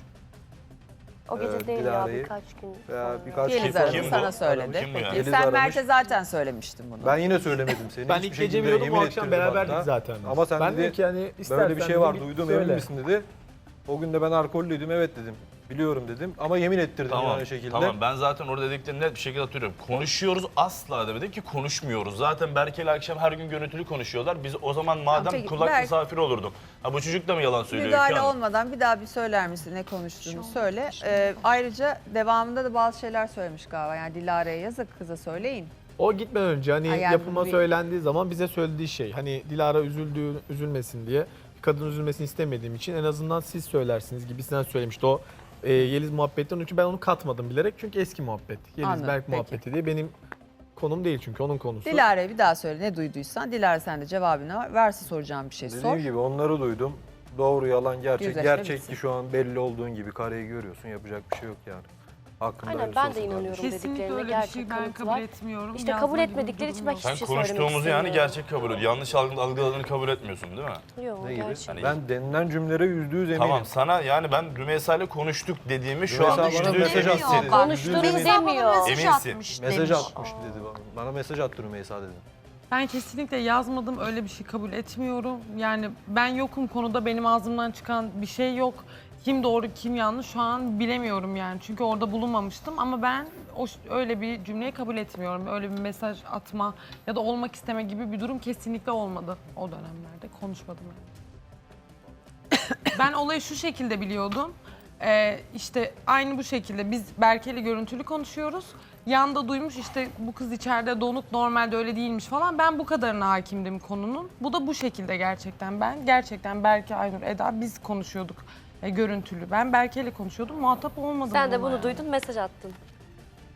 [SPEAKER 3] O gece
[SPEAKER 2] Ee,
[SPEAKER 3] değil ya
[SPEAKER 2] Dilara'yı
[SPEAKER 3] birkaç gün
[SPEAKER 2] Veya
[SPEAKER 3] sonra.
[SPEAKER 2] birkaç
[SPEAKER 1] Yeliz
[SPEAKER 2] gün sonra
[SPEAKER 1] aradı
[SPEAKER 4] Kim bu?
[SPEAKER 1] sana söyledi.
[SPEAKER 4] Kim bu ya?
[SPEAKER 1] Peki
[SPEAKER 2] Yeliz
[SPEAKER 1] sen
[SPEAKER 2] aramış.
[SPEAKER 1] Mert'e zaten söylemiştin bunu.
[SPEAKER 2] Ben yine söylemedim seni.
[SPEAKER 7] Ben
[SPEAKER 2] Hiçbir
[SPEAKER 7] ilk gece
[SPEAKER 2] şekilde
[SPEAKER 7] biliyordum o
[SPEAKER 2] yemin
[SPEAKER 7] akşam
[SPEAKER 2] ettirdim
[SPEAKER 7] beraberdik
[SPEAKER 2] hatta.
[SPEAKER 7] zaten.
[SPEAKER 2] Ama sen
[SPEAKER 7] ben
[SPEAKER 2] dedi,
[SPEAKER 7] dedim ki hani istersen
[SPEAKER 2] böyle bir şey var
[SPEAKER 7] dedi,
[SPEAKER 2] duydum
[SPEAKER 7] söyle.
[SPEAKER 2] emin misin dedi. O gün de ben alkollüydüm evet dedim. Biliyorum dedim ama yemin ettirdim
[SPEAKER 4] Tamam,
[SPEAKER 2] aynı şekilde.
[SPEAKER 4] tamam ben zaten orada dediklerini net bir şekilde hatırlıyorum. Konuşuyoruz asla demedim ki konuşmuyoruz. Zaten Berke ile akşam her gün görüntülü konuşuyorlar. Biz o zaman madem
[SPEAKER 1] peki,
[SPEAKER 4] kulak
[SPEAKER 1] Berk-
[SPEAKER 4] misafiri olurduk. Ha bu çocuk da mı yalan söylüyor?
[SPEAKER 1] Müdahale
[SPEAKER 4] Öykü Hanım?
[SPEAKER 1] olmadan bir daha bir söyler misin ne konuştuğunu söyle. Ee, ayrıca devamında da bazı şeyler söylemiş galiba. Yani Dilara'ya yazık kıza söyleyin.
[SPEAKER 7] O gitmeden önce hani
[SPEAKER 1] Ha, yani
[SPEAKER 7] yapıma
[SPEAKER 1] bir-
[SPEAKER 7] söylendiği zaman bize söylediği şey hani Dilara üzüldüğü üzülmesin diye bir kadın üzülmesini istemediğim için en azından siz söylersiniz gibisinden söylemişti o e, Yeliz muhabbetten çünkü ben onu katmadım bilerek çünkü eski muhabbet. Yeliz
[SPEAKER 1] Anladım,
[SPEAKER 7] Berk
[SPEAKER 1] peki.
[SPEAKER 7] muhabbeti diye benim konum değil çünkü onun konusu.
[SPEAKER 1] Dilara'ya bir daha söyle ne duyduysan. Dilara sen de cevabını ver. Varsa soracağım bir şey
[SPEAKER 2] Dediğim
[SPEAKER 1] sor.
[SPEAKER 2] gibi onları duydum. Doğru yalan gerçek.
[SPEAKER 1] Yüzleşme
[SPEAKER 2] Gerçek
[SPEAKER 1] bitsin.
[SPEAKER 2] ki şu an belli olduğun gibi kareyi görüyorsun yapacak bir şey yok yani. Hakkında
[SPEAKER 3] Aynen,
[SPEAKER 2] hayırlısı
[SPEAKER 3] ben de
[SPEAKER 2] olsun
[SPEAKER 3] inanıyorum.
[SPEAKER 2] kardeşim.
[SPEAKER 5] Kesinlikle
[SPEAKER 3] dediklerine
[SPEAKER 5] öyle bir
[SPEAKER 3] gerçek
[SPEAKER 5] şey ben
[SPEAKER 3] kanıt
[SPEAKER 5] kabul
[SPEAKER 3] var.
[SPEAKER 5] etmiyorum.
[SPEAKER 3] İşte kabul
[SPEAKER 5] Yazma gibi
[SPEAKER 3] etmedikleri için
[SPEAKER 5] durum
[SPEAKER 3] ben
[SPEAKER 5] yok.
[SPEAKER 3] hiçbir
[SPEAKER 4] Sen
[SPEAKER 3] şey söylemek
[SPEAKER 4] konuştuğumuzu yani
[SPEAKER 3] istemiyorum.
[SPEAKER 4] gerçek kabul ediyorsun. Yanlış algı- algıladığını kabul etmiyorsun değil mi?
[SPEAKER 3] Yok,
[SPEAKER 2] Ne gibi?
[SPEAKER 3] gerçek.
[SPEAKER 4] Hani-
[SPEAKER 2] Ben denilen cümlelere yüzde yüz eminim.
[SPEAKER 4] Tamam sana yani ben Rümeysa ile konuştuk dediğimi şu
[SPEAKER 2] Rümeysa
[SPEAKER 4] anda
[SPEAKER 2] bana
[SPEAKER 4] yüzde yüz
[SPEAKER 2] mesaj
[SPEAKER 4] eminsin.
[SPEAKER 2] attı dedi.
[SPEAKER 3] Konuştuğunu
[SPEAKER 2] Yüzde yüz eminim.
[SPEAKER 3] demiyor.
[SPEAKER 6] Mesaj
[SPEAKER 4] Eminsin.
[SPEAKER 6] atmış
[SPEAKER 2] Mesaj
[SPEAKER 6] demiş.
[SPEAKER 2] atmış dedi bana. Bana mesaj attı Rümeysa dedi.
[SPEAKER 5] Ben kesinlikle yazmadım, öyle bir şey kabul etmiyorum. Yani ben yokum konuda, benim ağzımdan çıkan bir şey yok. Kim doğru, kim yanlış şu an bilemiyorum yani. Çünkü orada bulunmamıştım ama ben o öyle bir cümleyi kabul etmiyorum. Öyle bir mesaj atma ya da olmak isteme gibi bir durum kesinlikle olmadı o dönemlerde. Konuşmadım yani. Ben olayı şu şekilde biliyordum. Ee, işte aynı bu şekilde biz Berke'yle görüntülü konuşuyoruz. Yanda duymuş işte bu kız içeride donuk normalde öyle değilmiş falan. Ben bu kadarına hakimdim konunun. Bu da bu şekilde gerçekten ben. Gerçekten Berke, Aynur, Eda biz konuşuyorduk e, görüntülü. Ben Berke'yle konuşuyordum muhatap olmadım.
[SPEAKER 3] Sen de
[SPEAKER 5] bununla
[SPEAKER 3] bunu
[SPEAKER 5] yani.
[SPEAKER 3] duydun mesaj attın.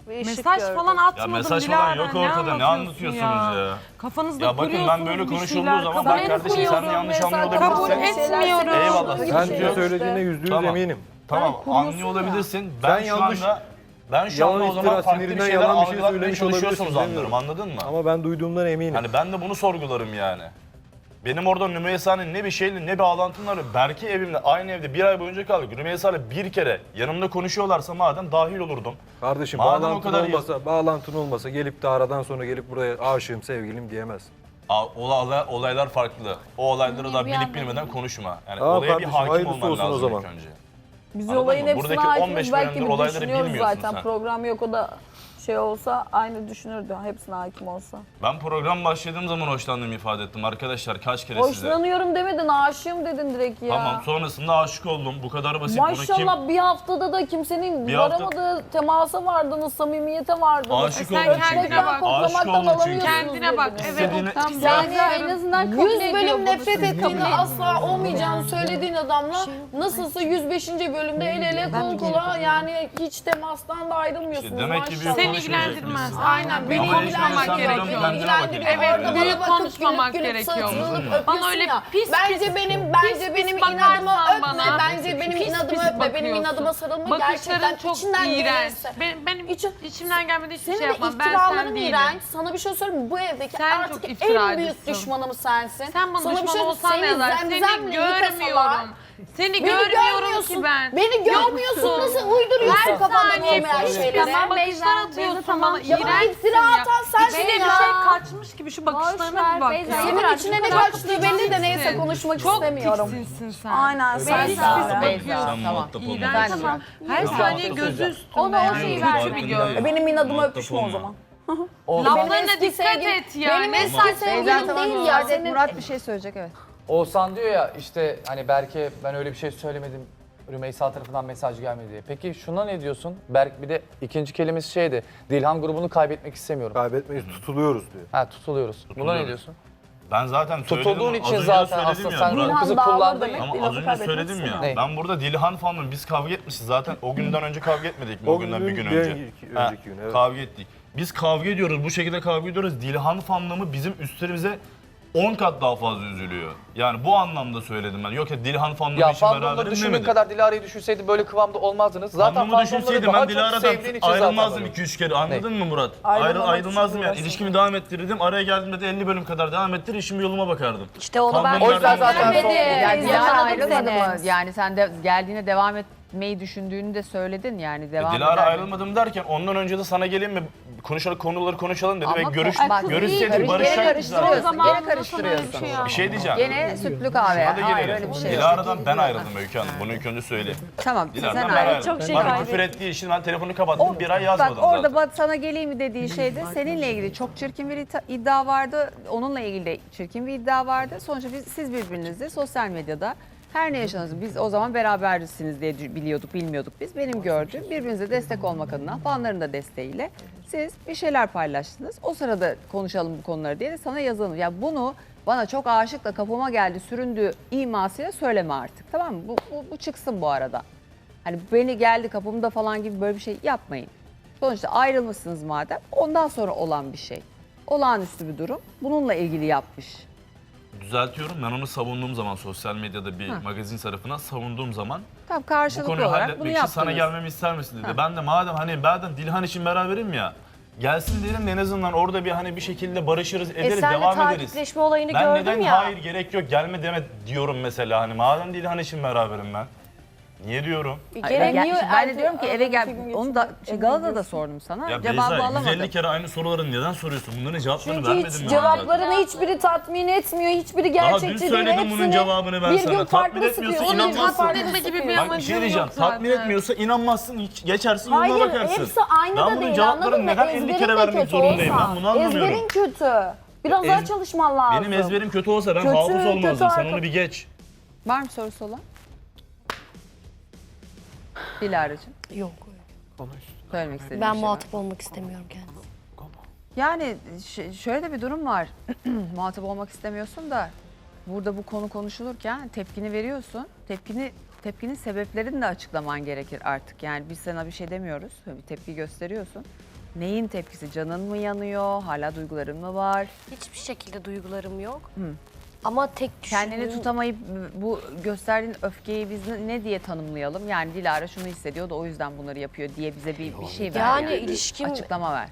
[SPEAKER 8] bir ışık
[SPEAKER 5] Mesaj
[SPEAKER 8] gördüm.
[SPEAKER 5] falan
[SPEAKER 4] Ya
[SPEAKER 5] atmadım
[SPEAKER 4] mesaj
[SPEAKER 5] Dilara.
[SPEAKER 4] falan yok ortada. Ne anlatıyorsunuz ya?
[SPEAKER 5] Kafanızda
[SPEAKER 4] Ya bakın ben
[SPEAKER 5] kuruyorsunuz
[SPEAKER 4] böyle
[SPEAKER 5] bir
[SPEAKER 4] konuşulduğu
[SPEAKER 5] şeyler,
[SPEAKER 4] zaman
[SPEAKER 5] kabul
[SPEAKER 4] bak kardeşim sen de yanlış anlıyor
[SPEAKER 5] Kabul
[SPEAKER 4] olabilirsin.
[SPEAKER 5] etmiyorum.
[SPEAKER 4] Eyvallah.
[SPEAKER 2] Ben
[SPEAKER 4] sıkıntı
[SPEAKER 2] size
[SPEAKER 4] yok.
[SPEAKER 2] söylediğine yüzde yüz
[SPEAKER 4] Tamam.
[SPEAKER 2] eminim.
[SPEAKER 4] Tamam anlıyor olabilirsin. Ben
[SPEAKER 2] Sen
[SPEAKER 4] şu
[SPEAKER 2] yanlış-
[SPEAKER 4] anda ben şu
[SPEAKER 2] yalan
[SPEAKER 4] anda o
[SPEAKER 2] iftira,
[SPEAKER 4] zaman farklı bir
[SPEAKER 2] sinirinden
[SPEAKER 4] şeyler
[SPEAKER 2] yalan bir şey
[SPEAKER 4] algılatmaya
[SPEAKER 2] söylemiş
[SPEAKER 4] çalışıyorsunuz
[SPEAKER 2] olabilirsin,
[SPEAKER 4] anlarım anladın mı?
[SPEAKER 2] Ama ben duyduğumdan eminim.
[SPEAKER 4] Hani ben de bunu sorgularım yani. Benim orada Rümeysa'nın ne bir şeyle ne bir bağlantım var. Belki evimde aynı evde bir ay boyunca kaldık. Rümeysa'yla bir kere yanımda konuşuyorlarsa madem dahil olurdum.
[SPEAKER 2] Kardeşim
[SPEAKER 4] Madem o
[SPEAKER 2] bağlantın
[SPEAKER 4] kadar
[SPEAKER 2] olmasa, bağlantın olmasa gelip de aradan sonra gelip buraya aşığım, sevgilim diyemezsin.
[SPEAKER 4] Aa, olay- olaylar farklı. O olayları da bilip bilmeden konuşma. Yani
[SPEAKER 2] Tamam
[SPEAKER 4] olaya bir
[SPEAKER 2] kardeşim,
[SPEAKER 4] hakim
[SPEAKER 2] hayırlısı
[SPEAKER 4] olman
[SPEAKER 2] olsun o
[SPEAKER 4] lazım
[SPEAKER 2] zaman.
[SPEAKER 4] ilk önce.
[SPEAKER 8] Biz
[SPEAKER 4] Anladın
[SPEAKER 8] olayın
[SPEAKER 4] mı?
[SPEAKER 8] hepsine
[SPEAKER 4] Buradaki on beş
[SPEAKER 8] hakimiz. Belki
[SPEAKER 4] bölümdür
[SPEAKER 8] bir
[SPEAKER 4] olayları
[SPEAKER 8] düşünüyoruz
[SPEAKER 4] bilmiyorsun
[SPEAKER 8] zaten.
[SPEAKER 4] sen.
[SPEAKER 8] Program yok o da şey olsa aynı düşünürdü. Hepsine hakim olsa.
[SPEAKER 4] Ben program başladığım zaman hoşlandığımı ifade ettim arkadaşlar kaç kere size.
[SPEAKER 8] Hoşlanıyorum demedin, aşığım dedin direkt ya.
[SPEAKER 4] Tamam sonrasında aşık oldum. Bu kadar basit. Bunu
[SPEAKER 8] Maşallah
[SPEAKER 4] kim...
[SPEAKER 8] bir haftada da kimsenin
[SPEAKER 4] Bir hafta-
[SPEAKER 8] varamadığı temasa vardınız, samimiyete vardınız.
[SPEAKER 4] Aşık
[SPEAKER 5] Sen
[SPEAKER 4] oldum
[SPEAKER 5] kendine
[SPEAKER 4] çünkü.
[SPEAKER 5] bak.
[SPEAKER 4] Aşık
[SPEAKER 8] Koklamaktan
[SPEAKER 4] oldum çünkü.
[SPEAKER 8] alamıyorsunuz
[SPEAKER 5] Kendine bak,
[SPEAKER 8] birbirinizi.
[SPEAKER 5] evet.
[SPEAKER 4] İstediğine-
[SPEAKER 5] Tam
[SPEAKER 8] Yani
[SPEAKER 5] en azından kabul
[SPEAKER 8] yüz
[SPEAKER 5] ediyor
[SPEAKER 8] bölüm
[SPEAKER 5] bunu.
[SPEAKER 8] nefret
[SPEAKER 5] Siz kabul
[SPEAKER 8] ettiğini,
[SPEAKER 5] edin.
[SPEAKER 8] asla olmayacağını söylediğin adamla nasılsa yüz beşinci bölümde el ele kol kola yani hiç temastan da ayrılmıyorsunuz.
[SPEAKER 4] İşte demek ki büyük
[SPEAKER 8] maşallah.
[SPEAKER 5] Seni
[SPEAKER 4] konuşmayacak
[SPEAKER 5] ilgilendirmez.
[SPEAKER 4] mıyız?
[SPEAKER 8] Aynen beni
[SPEAKER 4] Ama
[SPEAKER 5] konuşmamak
[SPEAKER 8] ilgilendiriyor.
[SPEAKER 5] gerekiyor.
[SPEAKER 8] Beni ilgilendiriyor.
[SPEAKER 5] Evet,
[SPEAKER 8] Orada
[SPEAKER 5] büyük
[SPEAKER 8] bana bakıp
[SPEAKER 5] konuşmamak
[SPEAKER 8] gülüp gülüp
[SPEAKER 5] gerekiyor.
[SPEAKER 8] sırtını
[SPEAKER 5] Bana
[SPEAKER 8] öpüyorsun
[SPEAKER 5] öyle
[SPEAKER 8] ya.
[SPEAKER 5] pis
[SPEAKER 8] Bence
[SPEAKER 5] pis-
[SPEAKER 8] benim
[SPEAKER 5] pis
[SPEAKER 8] bence
[SPEAKER 5] pis
[SPEAKER 8] benim
[SPEAKER 5] bakarsan
[SPEAKER 8] inadımı öpme.
[SPEAKER 5] bana,
[SPEAKER 8] Bence benim
[SPEAKER 5] pis
[SPEAKER 8] inadımı
[SPEAKER 5] pis
[SPEAKER 8] öpme. Benim
[SPEAKER 5] bakıyorsun.
[SPEAKER 8] inadıma sarılma
[SPEAKER 5] Bakışların
[SPEAKER 8] gerçekten
[SPEAKER 5] çok
[SPEAKER 8] içinden
[SPEAKER 5] iğrenç.
[SPEAKER 8] gelirse.
[SPEAKER 5] Benim, benim
[SPEAKER 8] İçin-
[SPEAKER 5] içimden gelmedi hiçbir
[SPEAKER 8] Senin
[SPEAKER 5] şey
[SPEAKER 8] de
[SPEAKER 5] yapmam. Ben sen
[SPEAKER 8] iftiraların
[SPEAKER 5] değilim.
[SPEAKER 8] iğrenç. Sana bir şey söyleyeyim mi? Bu evdeki
[SPEAKER 5] Sen
[SPEAKER 8] artık
[SPEAKER 5] çok
[SPEAKER 8] en
[SPEAKER 5] iftiracısın.
[SPEAKER 8] büyük düşmanım sensin.
[SPEAKER 5] Sen bana
[SPEAKER 8] Sana bir
[SPEAKER 5] düşman
[SPEAKER 8] şey
[SPEAKER 5] olsan ne
[SPEAKER 8] söyleyeyim,
[SPEAKER 5] yazar?
[SPEAKER 8] seni
[SPEAKER 5] Seni
[SPEAKER 8] zemzemle yıkasalar,
[SPEAKER 5] görmüyorum. Seni
[SPEAKER 8] Beni
[SPEAKER 5] görmüyorum
[SPEAKER 8] görmüyorsun.
[SPEAKER 5] ki ben.
[SPEAKER 8] Beni görmüyorsun.
[SPEAKER 5] Yoksun.
[SPEAKER 8] Nasıl uyduruyorsun
[SPEAKER 5] Her
[SPEAKER 8] kafanda
[SPEAKER 5] saniye
[SPEAKER 8] olmayan
[SPEAKER 5] pis
[SPEAKER 8] şeyleri?
[SPEAKER 5] pis bakışlar atıyorsun bana.
[SPEAKER 8] Ya bana
[SPEAKER 5] İğrençsin
[SPEAKER 8] iftira
[SPEAKER 5] ya.
[SPEAKER 8] atan sensin
[SPEAKER 5] İçine bir
[SPEAKER 8] ya.
[SPEAKER 5] şey kaçmış gibi şu bakışlarına bir bak ya.
[SPEAKER 8] Senin içine ne kaçtığı belli de neyse konuşmak
[SPEAKER 5] Çok
[SPEAKER 8] istemiyorum.
[SPEAKER 5] tiksinsin sen.
[SPEAKER 8] Aynen sen
[SPEAKER 5] Pis
[SPEAKER 8] de.
[SPEAKER 5] pis
[SPEAKER 1] Beyza,
[SPEAKER 5] bakıyorsun.
[SPEAKER 4] Sen muhatap olma.
[SPEAKER 5] İğrenç.
[SPEAKER 1] Tamam.
[SPEAKER 5] Her
[SPEAKER 4] Tamam.
[SPEAKER 5] saniye gözü üstünde.
[SPEAKER 8] O da o
[SPEAKER 5] yani.
[SPEAKER 8] şeyi
[SPEAKER 5] Kötü
[SPEAKER 8] vermiyor.
[SPEAKER 5] bir göz.
[SPEAKER 8] Benim inadıma
[SPEAKER 4] Muhatap
[SPEAKER 8] öpüşme o
[SPEAKER 4] olma.
[SPEAKER 8] zaman.
[SPEAKER 5] Laflarına
[SPEAKER 8] eski
[SPEAKER 5] dikkat
[SPEAKER 8] sevgilim-
[SPEAKER 5] et ya.
[SPEAKER 8] Benim
[SPEAKER 5] Ne
[SPEAKER 8] eski
[SPEAKER 5] saçma.
[SPEAKER 8] sevgilim değil ya. Senin
[SPEAKER 1] Murat bir şey söyleyecek evet.
[SPEAKER 10] Oğuzhan diyor ya işte hani Berke ben öyle bir şey söylemedim. Rümeysa tarafından mesaj gelmedi diye. Peki şuna ne diyorsun? Berk bir de ikinci kelimesi şeydi. Dilhan grubunu kaybetmek istemiyorum.
[SPEAKER 2] Kaybetmeyiz, tutuluyoruz diyor.
[SPEAKER 10] Ha tutuluyoruz. Buna ne
[SPEAKER 4] Tutuluyoruz.
[SPEAKER 10] diyorsun?
[SPEAKER 4] Ben zaten söyledim.
[SPEAKER 10] Tutulduğun
[SPEAKER 4] Az
[SPEAKER 10] için
[SPEAKER 4] önce
[SPEAKER 10] zaten
[SPEAKER 4] söyledim
[SPEAKER 10] aslında
[SPEAKER 4] ya,
[SPEAKER 10] sen
[SPEAKER 4] Murat.
[SPEAKER 10] bu kızı
[SPEAKER 8] Dilhan dağlar
[SPEAKER 10] kullandın
[SPEAKER 8] demek.
[SPEAKER 10] ya.
[SPEAKER 4] Ama
[SPEAKER 8] Dilhan'ı
[SPEAKER 4] az önce
[SPEAKER 8] kaybetmek
[SPEAKER 4] söyledim ya.
[SPEAKER 8] istemiyorum.
[SPEAKER 10] Ne?
[SPEAKER 4] Ben burada Dilhan fanım. Biz kavga etmişiz zaten. O günden önce kavga etmedik mi?
[SPEAKER 2] O
[SPEAKER 4] O günden bir
[SPEAKER 2] günden
[SPEAKER 4] gün
[SPEAKER 2] bir
[SPEAKER 4] önce.
[SPEAKER 2] önceki-
[SPEAKER 4] Ha,
[SPEAKER 2] önceki gün, evet.
[SPEAKER 4] Kavga ettik. Biz kavga ediyoruz. Bu şekilde kavga ediyoruz. Dilhan fanlığımı bizim üstlerimize on kat daha fazla üzülüyor. Yani bu anlamda söyledim ben. Yok ya Dilhan fanlığım
[SPEAKER 10] Ya
[SPEAKER 4] için
[SPEAKER 10] fandomda
[SPEAKER 4] beraberim
[SPEAKER 10] düşündüğün
[SPEAKER 4] demedim.
[SPEAKER 10] kadar Dilara'yı düşünseydi böyle kıvamda olmazdınız. Zaten
[SPEAKER 4] Fanlığımı
[SPEAKER 10] fandomları
[SPEAKER 4] düşünseydim
[SPEAKER 10] daha
[SPEAKER 4] ben
[SPEAKER 10] çok
[SPEAKER 4] Dilara'dan
[SPEAKER 10] sevdiğin için zaten
[SPEAKER 4] ayrılmazdım
[SPEAKER 10] böyle.
[SPEAKER 4] iki üç kere. Anladın mı Murat?
[SPEAKER 8] Ayrılmamak
[SPEAKER 4] Ayrı, ayrılmazdım
[SPEAKER 8] için
[SPEAKER 4] yani.
[SPEAKER 8] uğraştım.
[SPEAKER 4] İlişkimi devam ettirirdim. Araya geldiğimde de elli bölüm kadar devam ettirir. işimi yoluma bakardım.
[SPEAKER 8] İşte onu ben
[SPEAKER 4] Fandomlardan
[SPEAKER 10] O yüzden zaten
[SPEAKER 4] bahsediyorum.
[SPEAKER 10] son-
[SPEAKER 1] Yani Dilara
[SPEAKER 8] Yakaladım
[SPEAKER 1] ayrılmadı
[SPEAKER 8] seni.
[SPEAKER 1] mı? Yani sen de geldiğine devam etmeyi düşündüğünü de söyledin yani devam
[SPEAKER 4] E, Dilara
[SPEAKER 1] eder mi?
[SPEAKER 4] ayrılmadım derken ondan önce de sana geleyim mi? Konuşalım konuları konuşalım dedi
[SPEAKER 1] Ama
[SPEAKER 4] ve görüş
[SPEAKER 1] ko- bak,
[SPEAKER 4] görüşseydik
[SPEAKER 1] karış-
[SPEAKER 4] barışacaktık
[SPEAKER 1] Gene
[SPEAKER 4] zaten.
[SPEAKER 1] karıştırıyorsun. Gene karıştırıyorsun.
[SPEAKER 4] Bir şey diyeceğim.
[SPEAKER 1] Gene sütlü kahve.
[SPEAKER 4] Hadi
[SPEAKER 1] Hayır
[SPEAKER 4] gelelim.
[SPEAKER 1] öyle bir şey yok.
[SPEAKER 4] Dilara'dan ben ayrıldım Öykü Hanım. Bunu ilk önce söyleyeyim.
[SPEAKER 1] Tamam sen
[SPEAKER 4] Dilara'dan ben
[SPEAKER 1] ayrıl.
[SPEAKER 4] ayrıldım.
[SPEAKER 8] Çok şey
[SPEAKER 4] Bana
[SPEAKER 8] kaybettim.
[SPEAKER 4] küfür ettiği için ben telefonu kapattım. Bir ay yazmadım
[SPEAKER 1] Bak orada
[SPEAKER 4] zaten.
[SPEAKER 1] bak sana geleyim mi dediği şeyde seninle ilgili çok çirkin bir ita- iddia vardı. Onunla ilgili de çirkin bir iddia vardı. Sonuçta biz, siz birbirinizle sosyal medyada her ne yaşanırsa biz o zaman berabersiniz diye biliyorduk, bilmiyorduk biz. Benim gördüğüm birbirinize destek olmak adına fanların da desteğiyle siz bir şeyler paylaştınız. O sırada konuşalım bu konuları diye de sana yazalım. Ya bunu bana çok aşık da kapıma geldi süründüğü imasıyla söyleme artık tamam mı? Bu, bu, bu çıksın bu arada. Hani beni geldi kapımda falan gibi böyle bir şey yapmayın. Sonuçta ayrılmışsınız madem ondan sonra olan bir şey. Olağanüstü bir durum. Bununla ilgili yapmış.
[SPEAKER 4] Düzeltiyorum. Ben onu savunduğum zaman sosyal medyada bir magazin tarafına savunduğum zaman
[SPEAKER 1] Tamam
[SPEAKER 4] bu
[SPEAKER 1] karşılıklı
[SPEAKER 4] konuyu
[SPEAKER 1] olarak bunu
[SPEAKER 4] halletmek için
[SPEAKER 1] yaptınız.
[SPEAKER 4] sana gelmemi ister misin dedi. Ben de madem hani ben Dilhan için beraberim ya. Gelsin derim de en azından orada bir hani bir şekilde barışırız ederiz
[SPEAKER 3] E sen de
[SPEAKER 4] devam ederiz.
[SPEAKER 3] takipleşme olayını
[SPEAKER 4] Ben
[SPEAKER 3] gördüm
[SPEAKER 4] neden
[SPEAKER 3] ya.
[SPEAKER 4] hayır gerek yok gelme deme diyorum mesela hani madem Dilhan için beraberim ben. Niye diyorum?
[SPEAKER 1] Hayır,
[SPEAKER 3] Gerek
[SPEAKER 1] ben,
[SPEAKER 3] niye
[SPEAKER 1] şimdi ben de
[SPEAKER 3] erkek-
[SPEAKER 1] diyorum ki eve
[SPEAKER 3] aradan
[SPEAKER 1] gel.
[SPEAKER 3] iki gün
[SPEAKER 1] Onu da
[SPEAKER 3] geçirmek-
[SPEAKER 1] şey, Galata'da da sordum sana.
[SPEAKER 4] Ya
[SPEAKER 1] Cevabı
[SPEAKER 4] Beyza yüz
[SPEAKER 1] alamadım.
[SPEAKER 4] elli kere aynı soruları neden soruyorsun? Bunların cevaplarını
[SPEAKER 8] Çünkü
[SPEAKER 4] vermedim
[SPEAKER 8] hiç
[SPEAKER 4] ben
[SPEAKER 8] cevaplarını hiçbiri tatmin etmiyor. Hiçbiri
[SPEAKER 4] Daha
[SPEAKER 8] gerçekçi
[SPEAKER 4] dün
[SPEAKER 8] değil.
[SPEAKER 4] söyledim bunun
[SPEAKER 8] Hepsini
[SPEAKER 4] cevabını ben
[SPEAKER 8] bir
[SPEAKER 4] sana.
[SPEAKER 8] gün
[SPEAKER 4] Tatmin
[SPEAKER 8] farklı
[SPEAKER 4] etmiyorsa
[SPEAKER 8] sıkıyor.
[SPEAKER 4] inanmazsın.
[SPEAKER 8] Bir gün farklı
[SPEAKER 5] Tatmin etme gibi
[SPEAKER 8] sıkıyor.
[SPEAKER 5] bir
[SPEAKER 4] Bak bir
[SPEAKER 5] amacım
[SPEAKER 4] şey
[SPEAKER 5] yok
[SPEAKER 4] diyeceğim.
[SPEAKER 5] zaten.
[SPEAKER 4] Tatmin etmiyorsa inanmazsın, hiç geçersin yoluna
[SPEAKER 8] Hayır
[SPEAKER 4] bakarsın.
[SPEAKER 8] hepsi aynı
[SPEAKER 4] ben
[SPEAKER 8] da
[SPEAKER 4] bunun
[SPEAKER 8] değil
[SPEAKER 4] cevaplarını
[SPEAKER 8] anladın mı?
[SPEAKER 4] neden elli
[SPEAKER 8] Ezberin
[SPEAKER 4] kere
[SPEAKER 8] de
[SPEAKER 4] vermek
[SPEAKER 8] kötü
[SPEAKER 4] zorundayım?
[SPEAKER 8] olsa.
[SPEAKER 4] Ben bunu anlamıyorum.
[SPEAKER 8] Ezberin kötü. Biraz
[SPEAKER 4] Ez-
[SPEAKER 8] daha çalışman lazım.
[SPEAKER 4] Benim ezberim kötü olsa ben
[SPEAKER 8] Kötü,
[SPEAKER 4] hafız
[SPEAKER 8] kötü
[SPEAKER 4] olmazdım. Sen
[SPEAKER 8] arka-
[SPEAKER 4] onu bir geç.
[SPEAKER 1] Var mı sorusu olan? Dilara'cığım.
[SPEAKER 3] Yok.
[SPEAKER 1] Söylemek istediğin
[SPEAKER 3] Ben
[SPEAKER 1] bir şey var.
[SPEAKER 3] muhatap olmak istemiyorum kendisi.
[SPEAKER 1] Yani ş- şöyle de bir durum var. Muhatap olmak istemiyorsun da burada bu konu konuşulurken tepkini veriyorsun. Tepkini tepkinin sebeplerini de açıklaman gerekir artık. Yani biz sana bir şey demiyoruz. Bir tepki gösteriyorsun. Neyin tepkisi? Canın mı yanıyor? Hala duyguların mı var?
[SPEAKER 3] Hiçbir şekilde duygularım yok. Ama tek
[SPEAKER 1] Kendini
[SPEAKER 3] düşündüğüm-
[SPEAKER 1] tutamayıp bu gösterdiğin öfkeyi biz ne- ne diye tanımlayalım? Yani Dilara şunu hissediyor da o yüzden bunları yapıyor diye bize bir, bir şey ver.
[SPEAKER 3] Yani ilişkim-
[SPEAKER 1] Açıklama ver.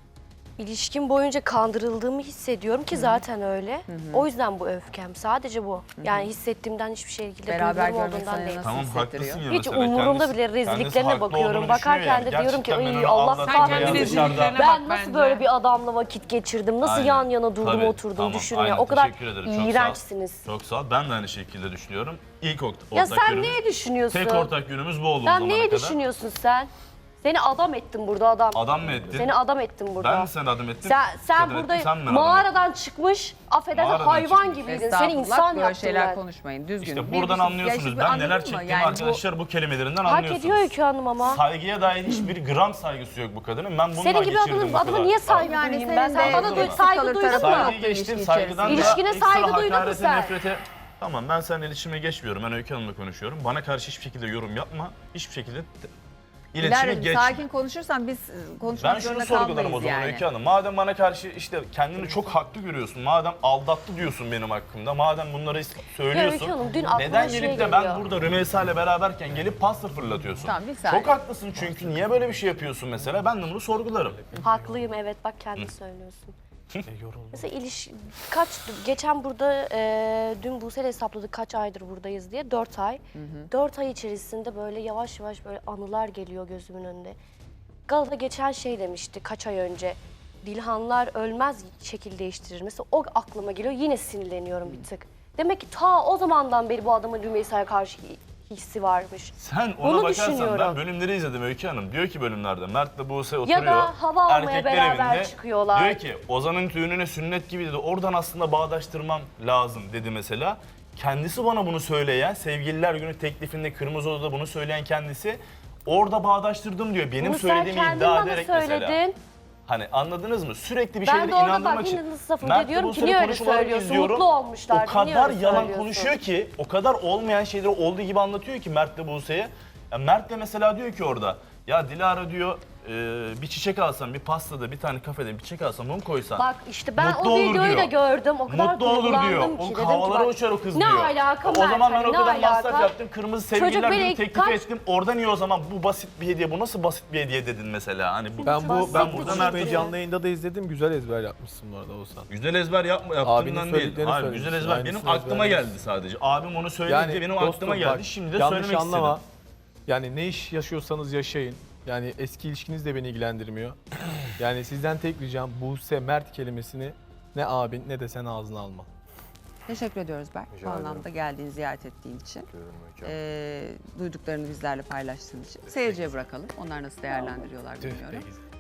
[SPEAKER 3] İlişkim boyunca kandırıldığımı hissediyorum ki zaten öyle. O yüzden bu öfkem. Sadece bu. Yani hissettiğimden hiçbir şekilde
[SPEAKER 1] Beraber
[SPEAKER 3] duygularım
[SPEAKER 1] görmek
[SPEAKER 3] olduğundan
[SPEAKER 1] sana
[SPEAKER 3] değil.
[SPEAKER 1] nasıl
[SPEAKER 4] Tamam
[SPEAKER 1] hissettiriyor?
[SPEAKER 4] haklısın ya
[SPEAKER 3] Hiç
[SPEAKER 4] mesela.
[SPEAKER 3] umurumda
[SPEAKER 4] Kendisi-
[SPEAKER 3] bile
[SPEAKER 4] kendisi
[SPEAKER 3] rezilliklerine
[SPEAKER 4] haklı
[SPEAKER 3] bakıyorum.
[SPEAKER 4] olduğunu
[SPEAKER 3] Bakarken
[SPEAKER 4] düşünüyor
[SPEAKER 3] de
[SPEAKER 4] yani.
[SPEAKER 3] diyorum ki
[SPEAKER 4] Gerçekten ben
[SPEAKER 3] "Ay,
[SPEAKER 4] onu
[SPEAKER 3] Allah
[SPEAKER 4] aldattım
[SPEAKER 5] Sen
[SPEAKER 4] veya
[SPEAKER 5] kendi
[SPEAKER 3] kahretsin."
[SPEAKER 4] dışarıda-
[SPEAKER 5] rezilliklerine
[SPEAKER 3] Ben
[SPEAKER 5] bak
[SPEAKER 3] nasıl
[SPEAKER 5] bence.
[SPEAKER 3] böyle bir adamla vakit geçirdim? Nasıl
[SPEAKER 4] Aynen.
[SPEAKER 3] yan yana durdum
[SPEAKER 4] Tabii,
[SPEAKER 3] oturdum
[SPEAKER 4] tamam,
[SPEAKER 3] düşünün ya.
[SPEAKER 4] aynen,
[SPEAKER 3] O kadar
[SPEAKER 4] teşekkür ederim, çok sağ ol.
[SPEAKER 3] iğrençsiniz.
[SPEAKER 4] Çok sağ ol. Ben de aynı şekilde düşünüyorum. İlk ortak
[SPEAKER 3] Ya
[SPEAKER 4] ortak
[SPEAKER 3] sen
[SPEAKER 4] yönümüz-
[SPEAKER 3] neye düşünüyorsun?
[SPEAKER 4] Tek ortak yönümüz bu oldu o
[SPEAKER 3] Sen
[SPEAKER 4] zamana
[SPEAKER 3] neye
[SPEAKER 4] kadar.
[SPEAKER 3] düşünüyorsun sen? Seni adam ettim burada adam.
[SPEAKER 4] Adam mı ettin?
[SPEAKER 3] Seni adam ettim burada.
[SPEAKER 4] Ben mi seni adam ettim?
[SPEAKER 3] Sen, sen
[SPEAKER 4] Kadın
[SPEAKER 3] burada
[SPEAKER 4] ettin, sen mi beni adam
[SPEAKER 3] mağaradan çıkmış, affedersin
[SPEAKER 4] Mağaradan
[SPEAKER 3] hayvan
[SPEAKER 4] çıkmış.
[SPEAKER 3] gibiydin. Seni
[SPEAKER 1] Estağfurullah,
[SPEAKER 3] insan
[SPEAKER 1] böyle
[SPEAKER 3] yaptım
[SPEAKER 1] şeyler
[SPEAKER 3] ben.
[SPEAKER 1] konuşmayın. Düzgün.
[SPEAKER 4] İşte
[SPEAKER 1] Bir
[SPEAKER 4] buradan
[SPEAKER 1] buçuk-
[SPEAKER 4] anlıyorsunuz.
[SPEAKER 1] Ya şimdi
[SPEAKER 4] Ben
[SPEAKER 1] anladın
[SPEAKER 4] neler
[SPEAKER 1] mı?
[SPEAKER 4] çektiğimi
[SPEAKER 1] Yani bu-
[SPEAKER 4] arkadaşlar bu kelimelerinden
[SPEAKER 3] Hak
[SPEAKER 4] anlıyorsunuz.
[SPEAKER 3] ediyor Öykü Hanım ama.
[SPEAKER 4] Saygıya dair hiçbir gram saygısı yok bu kadının. Ben bununla
[SPEAKER 3] Senin gibi
[SPEAKER 4] geçirdim
[SPEAKER 3] adamın,
[SPEAKER 4] bu
[SPEAKER 3] adama
[SPEAKER 4] kadar.
[SPEAKER 3] niye saygı
[SPEAKER 1] Yani
[SPEAKER 3] duyayım
[SPEAKER 1] senin
[SPEAKER 3] ben?
[SPEAKER 1] de
[SPEAKER 3] Sen bana
[SPEAKER 4] eksik
[SPEAKER 3] duy, saygı
[SPEAKER 1] kalır
[SPEAKER 3] duydun
[SPEAKER 1] tarafı
[SPEAKER 3] mu?
[SPEAKER 1] yok.
[SPEAKER 4] Saygıyı geçtim,
[SPEAKER 1] İlişki
[SPEAKER 4] saygıdan da
[SPEAKER 3] İlişkine
[SPEAKER 4] ekstra
[SPEAKER 3] saygı duydun mu
[SPEAKER 4] hakarete,
[SPEAKER 3] sen?
[SPEAKER 4] nefrete... Tamam ben seninle iletişime geçmiyorum. Ben Öykü Hanım'la konuşuyorum. Bana karşı hiçbir şekilde yorum yapma. Hiçbir şekilde t- iletişime
[SPEAKER 1] Dilara'cığım
[SPEAKER 4] geçme.
[SPEAKER 1] sakin konuşursan biz e, konuşmak
[SPEAKER 4] Ben şunu
[SPEAKER 1] zorunda
[SPEAKER 4] sorgularım o
[SPEAKER 1] kalmayız
[SPEAKER 4] zaman
[SPEAKER 1] yani.
[SPEAKER 4] Öykü Hanım. Madem bana karşı işte kendini çok haklı görüyorsun, madem aldattı diyorsun benim hakkımda, madem bunları söylüyorsun,
[SPEAKER 3] Öykü Hanım, dün aklıma
[SPEAKER 4] neden
[SPEAKER 3] şey
[SPEAKER 4] gelip de
[SPEAKER 3] geliyor.
[SPEAKER 4] ben burada Rümeysa ile beraberken gelip pasta fırlatıyorsun?
[SPEAKER 1] Tamam, bir saniye.
[SPEAKER 4] Çok haklısın çünkü niye böyle bir şey yapıyorsun mesela? Ben de bunu sorgularım.
[SPEAKER 3] Haklıyım evet bak kendin söylüyorsun. Mesela iliş kaç geçen burada e, dün Buse'yle hesapladık kaç aydır buradayız diye dört ay. Dört ay içerisinde böyle yavaş yavaş böyle anılar geliyor gözümün önünde. Galata geçen şey demişti kaç ay önce. Dilhanlar ölmez şekil değiştirir. Mesela o aklıma geliyor yine sinirleniyorum bir tık. Demek ki ta o zamandan beri bu adamın Rümeysa'ya karşı hissi varmış.
[SPEAKER 4] Sen ona
[SPEAKER 3] Onu
[SPEAKER 4] bakarsan
[SPEAKER 3] düşünüyorum.
[SPEAKER 4] ben bölümleri izledim Öykü Hanım. Diyor ki bölümlerde Mert'le Buse oturuyor.
[SPEAKER 3] Ya da hava almaya
[SPEAKER 4] erkekler
[SPEAKER 3] beraber
[SPEAKER 4] evinde.
[SPEAKER 3] çıkıyorlar.
[SPEAKER 4] Diyor ki Ozan'ın düğününe sünnet gibi dedi. Oradan aslında bağdaştırmam lazım dedi mesela. Kendisi bana bunu söyleyen, sevgililer günü teklifinde Kırmızı Oda'da bunu söyleyen kendisi. Orada bağdaştırdım diyor. Benim
[SPEAKER 3] Bunu sen
[SPEAKER 4] söylediğimi
[SPEAKER 3] kendin
[SPEAKER 4] iddia
[SPEAKER 3] bana
[SPEAKER 4] ederek
[SPEAKER 3] söyledin.
[SPEAKER 4] mesela. Hani anladınız mı? Sürekli bir
[SPEAKER 3] Ben
[SPEAKER 4] şeyleri
[SPEAKER 3] de orada
[SPEAKER 4] inandırmak
[SPEAKER 3] bak
[SPEAKER 4] için.
[SPEAKER 3] yine nasıl lafım
[SPEAKER 4] Mert'le
[SPEAKER 3] diyorum ki
[SPEAKER 4] Buse'nin
[SPEAKER 3] niye öyle
[SPEAKER 4] konuşmalarını
[SPEAKER 3] söylüyorsun?
[SPEAKER 4] izliyorum.
[SPEAKER 3] Mutlu olmuşlar.
[SPEAKER 4] O
[SPEAKER 3] niye
[SPEAKER 4] kadar
[SPEAKER 3] öyle
[SPEAKER 4] yalan
[SPEAKER 3] söylüyorsun?
[SPEAKER 4] konuşuyor ki, o kadar olmayan şeyleri olduğu gibi anlatıyor ki Mert'le Buse'ye. Ya Mert de mesela diyor ki orada, ya Dilara diyor e, bir çiçek alsam, bir pastada, bir tane kafede bir çiçek alsam, onu koysan.
[SPEAKER 3] Bak işte ben
[SPEAKER 4] Mutlu
[SPEAKER 3] o
[SPEAKER 4] olur
[SPEAKER 3] videoyu da
[SPEAKER 4] diyor.
[SPEAKER 3] gördüm. O kadar
[SPEAKER 4] Mutlu olur diyor.
[SPEAKER 3] duygulandım ki.
[SPEAKER 4] O
[SPEAKER 3] Dedim ki
[SPEAKER 4] havalara
[SPEAKER 3] bak,
[SPEAKER 4] uçar o kız
[SPEAKER 3] ne
[SPEAKER 4] diyor.
[SPEAKER 3] alaka
[SPEAKER 4] O zaman
[SPEAKER 3] Mert,
[SPEAKER 4] ben o
[SPEAKER 3] hani
[SPEAKER 4] kadar
[SPEAKER 3] ne
[SPEAKER 4] masraf
[SPEAKER 3] alaka?
[SPEAKER 4] yaptım. Kırmızı
[SPEAKER 3] Çocuk
[SPEAKER 4] sevgililer
[SPEAKER 3] beni
[SPEAKER 4] günü teklif
[SPEAKER 3] kaç-
[SPEAKER 4] ettim. Orada niye o zaman bu basit bir hediye, bu nasıl basit bir hediye dedin mesela? Hani bu,
[SPEAKER 7] Ben bu
[SPEAKER 3] Basit
[SPEAKER 7] ben
[SPEAKER 3] bir
[SPEAKER 7] bu
[SPEAKER 3] şey
[SPEAKER 7] konuşmayı
[SPEAKER 3] değil.
[SPEAKER 7] canlı yayında da izledim. Güzel ezber yapmışsın bu arada Oğuzhan.
[SPEAKER 4] güzel ezber yapma
[SPEAKER 7] Abinin
[SPEAKER 4] yaptığımdan değil.
[SPEAKER 7] söylediklerini
[SPEAKER 4] Hayır güzel
[SPEAKER 7] söylemişsin,
[SPEAKER 4] ezber benim
[SPEAKER 7] aynısını
[SPEAKER 4] aklıma
[SPEAKER 7] ezberlemişsin.
[SPEAKER 4] geldi sadece. Abim onu söyledi
[SPEAKER 7] Yani
[SPEAKER 4] benim
[SPEAKER 7] dostum
[SPEAKER 4] aklıma geldi.
[SPEAKER 7] bak,
[SPEAKER 4] Şimdi de
[SPEAKER 7] yanlış
[SPEAKER 4] söylemek
[SPEAKER 7] anlama.
[SPEAKER 4] istedim.
[SPEAKER 7] Yani ne iş yaşıyorsanız yaşayın. Yani eski ilişkiniz de beni ilgilendirmiyor. Yani sizden tek ricam Buse Mert kelimesini ne abin ne de sen ağzına alma.
[SPEAKER 1] Teşekkür ediyoruz Berk. Bu
[SPEAKER 2] Rica ederim.
[SPEAKER 1] anlamda geldiğin, ziyaret ettiğin için.
[SPEAKER 2] Görüyorum Öykü Hanım.
[SPEAKER 1] Ee, duyduklarını bizlerle paylaştığın için. Seyirciye bırakalım. Onlar nasıl değerlendiriyorlar bilmiyorum.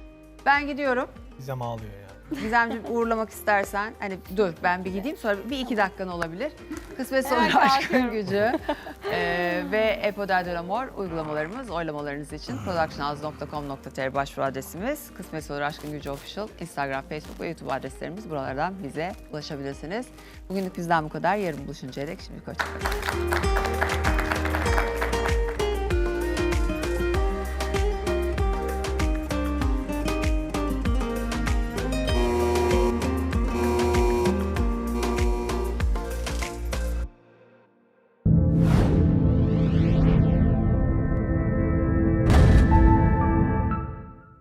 [SPEAKER 1] Ben gidiyorum.
[SPEAKER 7] Gizem ağlıyor ya.
[SPEAKER 1] Gizemciğim uğurlamak istersen, hani dur ben bir gideyim sonra bir iki dakikan olabilir. Kısmetse olur aşkın gücü ee, ve Epoder de l'Amor uygulamalarımız oylamalarınız için productionhouse nokta com nokta tr başvuru adresimiz. Kısmetse olur aşkın gücü official Instagram, Facebook ve YouTube adreslerimiz. Buralardan bize ulaşabilirsiniz. Bugünlük bizden bu kadar. Yarın buluşuncaya dek şimdi hoşçakalın.